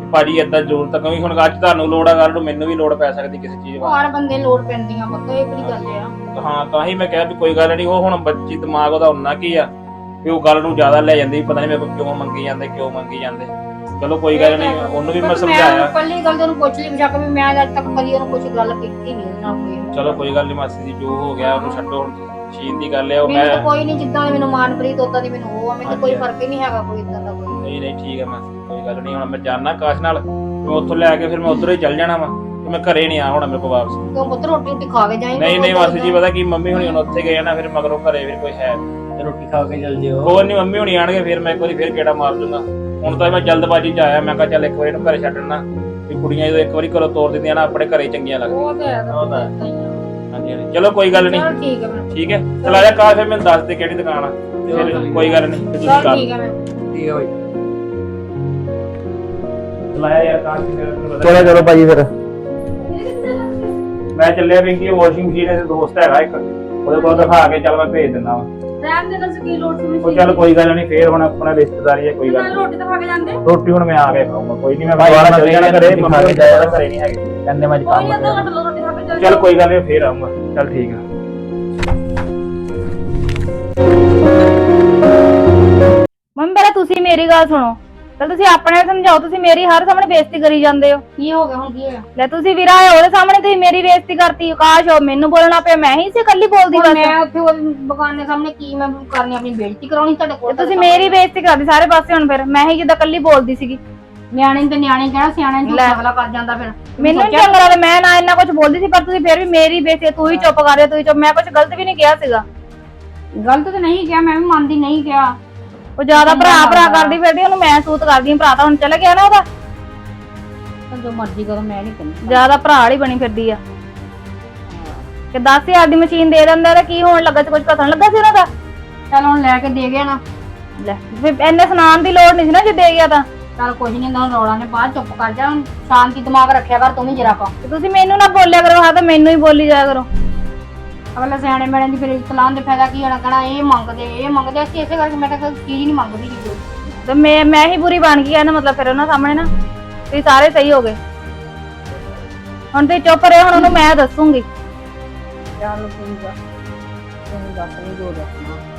S1: ਭਾਜੀ ਏਦਾਂ ਜ਼ਰੂਰਤ ਤਾਂ ਕਿਉਂਕਿ ਹੁਣ ਅੱਜ ਤੁਹਾਨੂੰ ਲੋੜ ਆ, ਕੱਲ ਨੂੰ ਮੈਨੂੰ ਵੀ ਲੋੜ ਪੈ ਸਕਦੀ ਕਿਸੇ ਚੀਜ਼
S3: ਹਰ ਬੰਦੇ ਲੋੜ ਪੈਂਦੀਆਂ ਪੁੱਤ, ਇਹ ਕਿਹੜੀ ਗੱਲ ਆ।
S1: ਹਾਂ ਤਾਂ ਹੀ ਮੈਂ ਕਿਹਾ ਵੀ ਕੋਈ ਗੱਲ ਨਹੀਂ, ਉਹ ਹੁਣ ਬੱਚੀ ਦਿਮਾਗ ਉਹਦਾ ਉਨਾ ਕੀ ਆ ਵੀ ਉਹ ਗੱਲ ਨੂੰ ਜ਼ਿਆਦਾ ਲੈ ਜਾਂਦੀ, ਪਤਾ ਨਹੀਂ ਮੇਰੇ ਕੋਲ ਕਿਉਂ ਮੰਗੀ ਜਾਂਦੇ। ਚਲੋ ਕੋਈ ਗੱਲ ਨਹੀਂ, ਉਹਨੂੰ ਵੀ ਮੈਂ ਸਮਝਾਇਆ।
S3: ਪਹਿਲੀ ਗੱਲ ਤਾਂ ਉਹਨੂੰ ਪੁੱਛ ਲਈ ਬੇਸ਼ੱਕ ਵੀ ਮੈਂ ਅੱਜ ਤੱਕ ਕਦੀ ਉਹਨੂੰ ਕੁਝ ਗੱਲ ਕੀਤੀ ਨਹੀਂ ਉਹਨਾਂ ਕੋਈ।
S1: ਚਲੋ ਕੋਈ ਗੱਲ ਨਹੀਂ ਮਾਸੀ ਜੀ, ਜੋ ਹੋ ਗਿਆ ਉਹਨੂੰ ਛੱਡੋ, ਹੁਣ ਸ਼ੀਨ ਦੀ ਗੱਲ ਹੈ ਉਹ
S3: ਮੈਨੂੰ ਤਾਂ
S1: ਮੈਂ
S3: ਕੋਈ ਨਹੀਂ, ਜਿੱਦਾਂ ਦੀ ਮੈਨੂੰ ਮਾਨਪ੍ਰੀਤ ਉਦਾਂ ਦੀ ਮੈਨੂੰ ਉਹ ਆ, ਮੈਨੂੰ ਕੋਈ ਫਰਕ ਹੀ ਨਹੀਂ ਹੈਗਾ ਕੋਈ ਇਦਾਂ ਦਾ ਕੋਈ।
S1: ਨਹੀਂ ਠੀਕ ਹੈ ਮਾਸੀ, ਕੋਈ ਗੱਲ ਨਹੀਂ। ਹੁਣ ਮੈਂ ਜਾਣਾ ਆਕਾਸ਼ ਨਾਲ, ਮੈਂ ਉੱਥੋਂ ਲੈ ਕੇ ਫਿਰ ਮੈਂ ਉੱਧਰੋਂ ਹੀ ਚੱਲ ਜਾਣਾ ਵਾ, ਤੇ ਮੈਂ ਘਰੇ ਨਹੀਂ ਆ ਹੋਣਾ ਮੇਰੇ ਕੋਲ ਵਾਪਸ।
S3: ਤੂੰ ਪੁੱਤ ਰੋਟੀ ਖਾ ਕੇ ਜਾਈਂ।
S1: ਨਹੀਂ ਮਾਸੀ ਜੀ, ਪਤਾ ਕੀ ਮੰਮੀ ਹੁਣੀ ਹੁਣ ਉੱਥੇ ਗਏ ਨਾ, ਫਿਰ ਮਗਰੋਂ ਘਰੇ ਫਿਰ ਕੋਈ ਹੈ
S5: ਤੇ ਰੋਟੀ ਖਾ ਕੇ ਚੱਲ ਜਿਓ।
S1: ਕੋਈ ਨਹੀਂ, ਮੰਮੀ ਹੁਣੀ ਆਣਗੇ ਫਿਰ ਮੈਂ ਇੱਕ ਵਾਰੀ ਫਿਰ ਗੇੜਾ ਮਾਰ ਦੂੰਗਾ। ਹੁਣ ਤਾਂ ਮੈਂ ਜਲਦਬਾਜ਼ੀ 'ਚ ਆਇਆ, ਮੈਂ ਕਿਹਾ ਚੱਲ ਇੱਕ ਵਾਰੀ ਇਹਨੂੰ ਘਰੇ ਛੱਡਣਾ, ਵੀ ਕੁੜੀਆਂ ਜਦੋਂ ਇੱਕ ਵਾਰੀ ਘਰੋਂ ਤੋਰ ਦਿੰਦੀਆਂ ਨਾ ਆਪਣੇ ਘਰੇ ਚੰਗੀਆਂ ਲੱਗਦੀਆਂ।
S3: ਉਹ ਤਾਂ ਹੈ
S1: ਹਾਂਜੀ ਚਲੋ ਕੋਈ ਗੱਲ ਨਹੀਂ।
S3: ਚਲ ਠੀਕ ਹੈ ਮੈਂ
S1: ਠੀਕ ਹੈ, ਚਲ ਆ ਜਾ ਕਾਸ਼, ਫਿਰ ਮੈਨੂੰ ਦੱਸ ਦੇ ਕਿਹੜੀ ਦੁਕਾਨ ਆ, ਫਿਰ ਕੋਈ ਗੱਲ ਨਹੀਂ ਤੁਸੀਂ
S3: ਚਲ
S1: ਕਰ
S3: ਠੀਕ ਹੈ ਮੈਂ
S5: ਠੀਕ ਹੈ ਬਾਈ।
S1: ਚਲਾਇਆ ਯਾਰ ਕਾਸ਼।
S5: ਚਲੋ ਭਾਜੀ ਫਿਰ।
S1: ਮੈਂ ਚੱਲਿਆ ਪਿੰਕੀ, ਵਾਸ਼ਿੰਗ ਮਸ਼ੀਨ ਦੇ ਦੋਸਤ ਹੈਗਾ ਇੱਕ, ਉਹਦੇ ਕੋਲ ਦਿਖਾ ਕੇ ਚੱਲ ਮੈਂ ਭੇਜ ਦਿੰਦਾ ਵਾ।
S2: ਰਹਿਣ ਦੇ ਨਾਲ ਕੀ ਲੋੜ ਸੀ
S1: ਉਹ ਚੱਲ ਕੋਈ ਗੱਲ ਨਹੀਂ, ਫੇਰ ਹੁਣ ਆਪਣਾ ਰਿਸ਼ਤੇਦਾਰੀ ਹੈ, ਕੋਈ ਗੱਲ ਨੀ।
S2: ਰੋਟੀ ਤਾਂ ਖਾ ਕੇ ਜਾਂਦੇ।
S1: ਰੋਟੀ ਹੁਣ ਮੈਂ ਆ ਕੇ ਖਾਊਂਗਾ, ਕੋਈ ਨਹੀਂ, ਮੈਂ
S5: ਭਾਈ
S1: ਦੁਬਾਰਾ
S5: ਮੈਂ
S1: ਚੱਲ ਜਾਣਾ ਘਰੇ,
S5: ਰੋਟੀ ਖਾ
S1: ਮੰਮੀ
S5: ਕੇ ਜਾਇਆ
S1: ਘਰੇ ਨਹੀਂ ਹੈਗੇ।
S5: ਕਹਿੰਦੇ ਮੈਂ
S2: ਕੋਈ ਨਹੀਂ, ਅੱਧਾ ਘੰਟਾ ਲਓ, ਰੋਟੀ ਖਾ ਕੇ ਚੱਲ
S1: ਚੱਲ ਕੋਈ ਗੱਲ ਨਹੀਂ, ਫੇਰ ਆਊਂਗਾ। ਚੱਲ ਠੀਕ ਆ।
S4: ਮੰਮੀ ਪਹਿਲਾਂ ਤੁਸੀਂ ਮੇਰੀ ਗੱਲ ਸੁਣੋ, ਚਲ ਤੁਸੀਂ ਆਪਣੇ ਸਮਝਾਓ, ਤੁਸੀਂ ਮੇਰੀ ਹਰ ਸਾਹਮਣੇ ਬੇਇੱਜ਼ਤੀ ਕਰੀ ਜਾਂਦੇ ਹੋ।
S3: ਕੀ ਹੋ ਗਿਆ ਹੁਣ, ਕੀ ਹੋਇਆ?
S4: ਲੈ ਤੁਸੀਂ ਵੀਰਾ ਆਏ ਉਹਦੇ ਸਾਹਮਣੇ ਤੁਸੀਂ ਮੇਰੀ ਬੇਇੱਜ਼ਤੀ ਕਰਤੀ, ਆਕਾਸ਼ ਹੋ ਮੈਨੂੰ ਬੋਲਣਾ ਪਿਆ, ਮੈਂ ਹੀ ਸੀ ਇਕੱਲੀ ਬੋਲਦੀ
S3: ਹੁਣ
S4: ਬਸ।
S3: ਮੈਂ ਉੱਥੇ ਉਹ ਬਗਾਨੇ ਸਾਹਮਣੇ ਕੀ ਮੈਂ ਕਰਨੀ, ਆਪਣੀ ਬੇਇੱਜ਼ਤੀ ਕਰਾਉਣੀ ਤੁਹਾਡੇ ਕੋਲ?
S4: ਤੁਸੀਂ ਮੇਰੀ ਬੇਇੱਜ਼ਤੀ ਕਰਦੀ ਸਾਰੇ ਪਾਸੇ, ਹੁਣ ਫਿਰ ਮੈਂ ਹੀ ਜਿੱਦਾਂ ਇਕੱਲੀ ਬੋਲਦੀ ਸੀਗੀ।
S3: ਨਿਆਣੇ ਤੇ ਨਿਆਣੇ ਕਹਿਣਾ, ਸਿਆਣੇ ਨੂੰ ਅਗਲਾ ਕਰ ਜਾਂਦਾ ਫਿਰ।
S4: ਮੈਨੂੰ ਨੀ ਚੰਗਾ ਲੱਗਦਾ, ਮੈਂ ਨਾ ਇੰਨਾ ਕੁਝ ਬੋਲਦੀ ਸੀ, ਪਰ ਤੁਸੀਂ ਫਿਰ ਵੀ ਮੇਰੀ ਬੇਇੱਜ਼ਤੀ, ਤੂੰ ਹੀ ਚੁੱਪ ਕਰ ਰਿਹਾ, ਤੂੰ ਹੀ ਚੁੱਪ, ਮੈਂ ਕੁਝ ਗਲਤ ਵੀ ਨਹੀਂ ਕਿਹਾ ਸੀਗਾ।
S3: ਗਲਤ ਤੇ ਨਹੀਂ ਕਿਹਾ, ਮੈਂ ਵੀ ਮੰਨਦੀ ਨਹੀਂ ਕਿਹਾ।
S4: ਉਹ ਜ਼ਿਆਦਾ ਭਰਾ ਕਰਦੀ ਫਿਰਦੀ, ਉਹਨੂੰ ਮੈਂ ਸੂਤ ਕਰਦੀ, ਭਰਾ ਤਾਂ ਹੁਣ ਚਲਾ ਗਿਆ ਨਾ ਉਹਦਾ,
S3: ਜੋ ਮਰਜ਼ੀ ਕਰੋ, ਮੈਂ ਨਹੀਂ ਕਹਿੰਦੀ।
S4: ਜ਼ਿਆਦਾ ਭਰਾ ਵਾਲੀ ਬਣੀ ਫਿਰਦੀ ਆ। ਕਿ 10,000 ਦੀ ਮਸ਼ੀਨ ਦੇ ਦਿੰਦਾ ਤਾਂ ਕੀ ਹੋਣ ਲੱਗਾ ਸੀ, ਕੁਝ ਘਸਣ ਲੱਗਾ ਸੀ ਉਹਨਾਂ ਦਾ।
S3: ਚੱਲ ਹੁਣ ਲੈ ਕੇ ਦੇ ਗਿਆ ਨਾ,
S4: ਲੈ ਫਿਰ ਇੰਨੇ ਸੁਣਾਉਣ ਦੀ ਲੋੜ ਨਹੀਂ ਸੀ ਨਾ, ਜੇ ਦੇ ਗਿਆ ਤਾਂ।
S3: ਚੱਲ ਕੁਝ ਨਹੀਂ ਹੁੰਦਾ, ਰੌਲਾ ਨੇ ਬਾਅਦ ਚੁੱਪ ਕਰ ਜਾ, ਹੁਣ ਸ਼ਾਂਤੀ ਦਿਮਾਗ ਰੱਖਿਆ ਕਰ ਤੂੰ ਵੀ ਜਰਾ ਕਾ।
S4: ਤੇ ਤੁਸੀਂ ਮੈਨੂੰ ਨਾ ਬੋਲਿਆ ਕਰੋ, ਹਾਂ ਤਾਂ ਮੈਨੂੰ ਹੀ ਬੋਲੀ ਜਾਇਆ ਕਰੋ।
S3: ਅਗਲੇ ਸਿਆਣੇ ਮੈਣੇ ਦੀ ਫਿਰ ਇਤਲਾਨ ਦੇ ਫਾਇਦਾ ਕੀ ਹੋਣਾ, ਕਹਿਣਾ ਇਹ ਮੰਗਦੇ ਅਸੀਂ, ਇਸੇ ਕਰਕੇ ਮੈਂ ਤਾਂ ਕੋਈ ਚੀਜ਼ ਨਹੀਂ ਮੰਗਦੀ ਜੀ।
S4: ਤੇ ਮੈਂ ਹੀ ਬੁਰੀ ਬਣ ਗਈ, ਇਹਦਾ ਮਤਲਬ ਫਿਰ ਉਹਨਾਂ ਸਾਹਮਣੇ ਨਾ ਤੁਸੀਂ ਸਾਰੇ ਸਹੀ ਹੋ ਗਏ। ਹੁਣ ਤੁਸੀਂ ਚੁੱਪ ਰਹੇ, ਹੁਣ ਉਹਨੂੰ ਮੈਂ ਦੱਸੂਗੀ।
S3: ਚੱਲ ਠੀਕ ਆ, ਤੂੰ ਦੱਸ ਨਹੀਂ ਜੋ ਦੱਸਣਾ।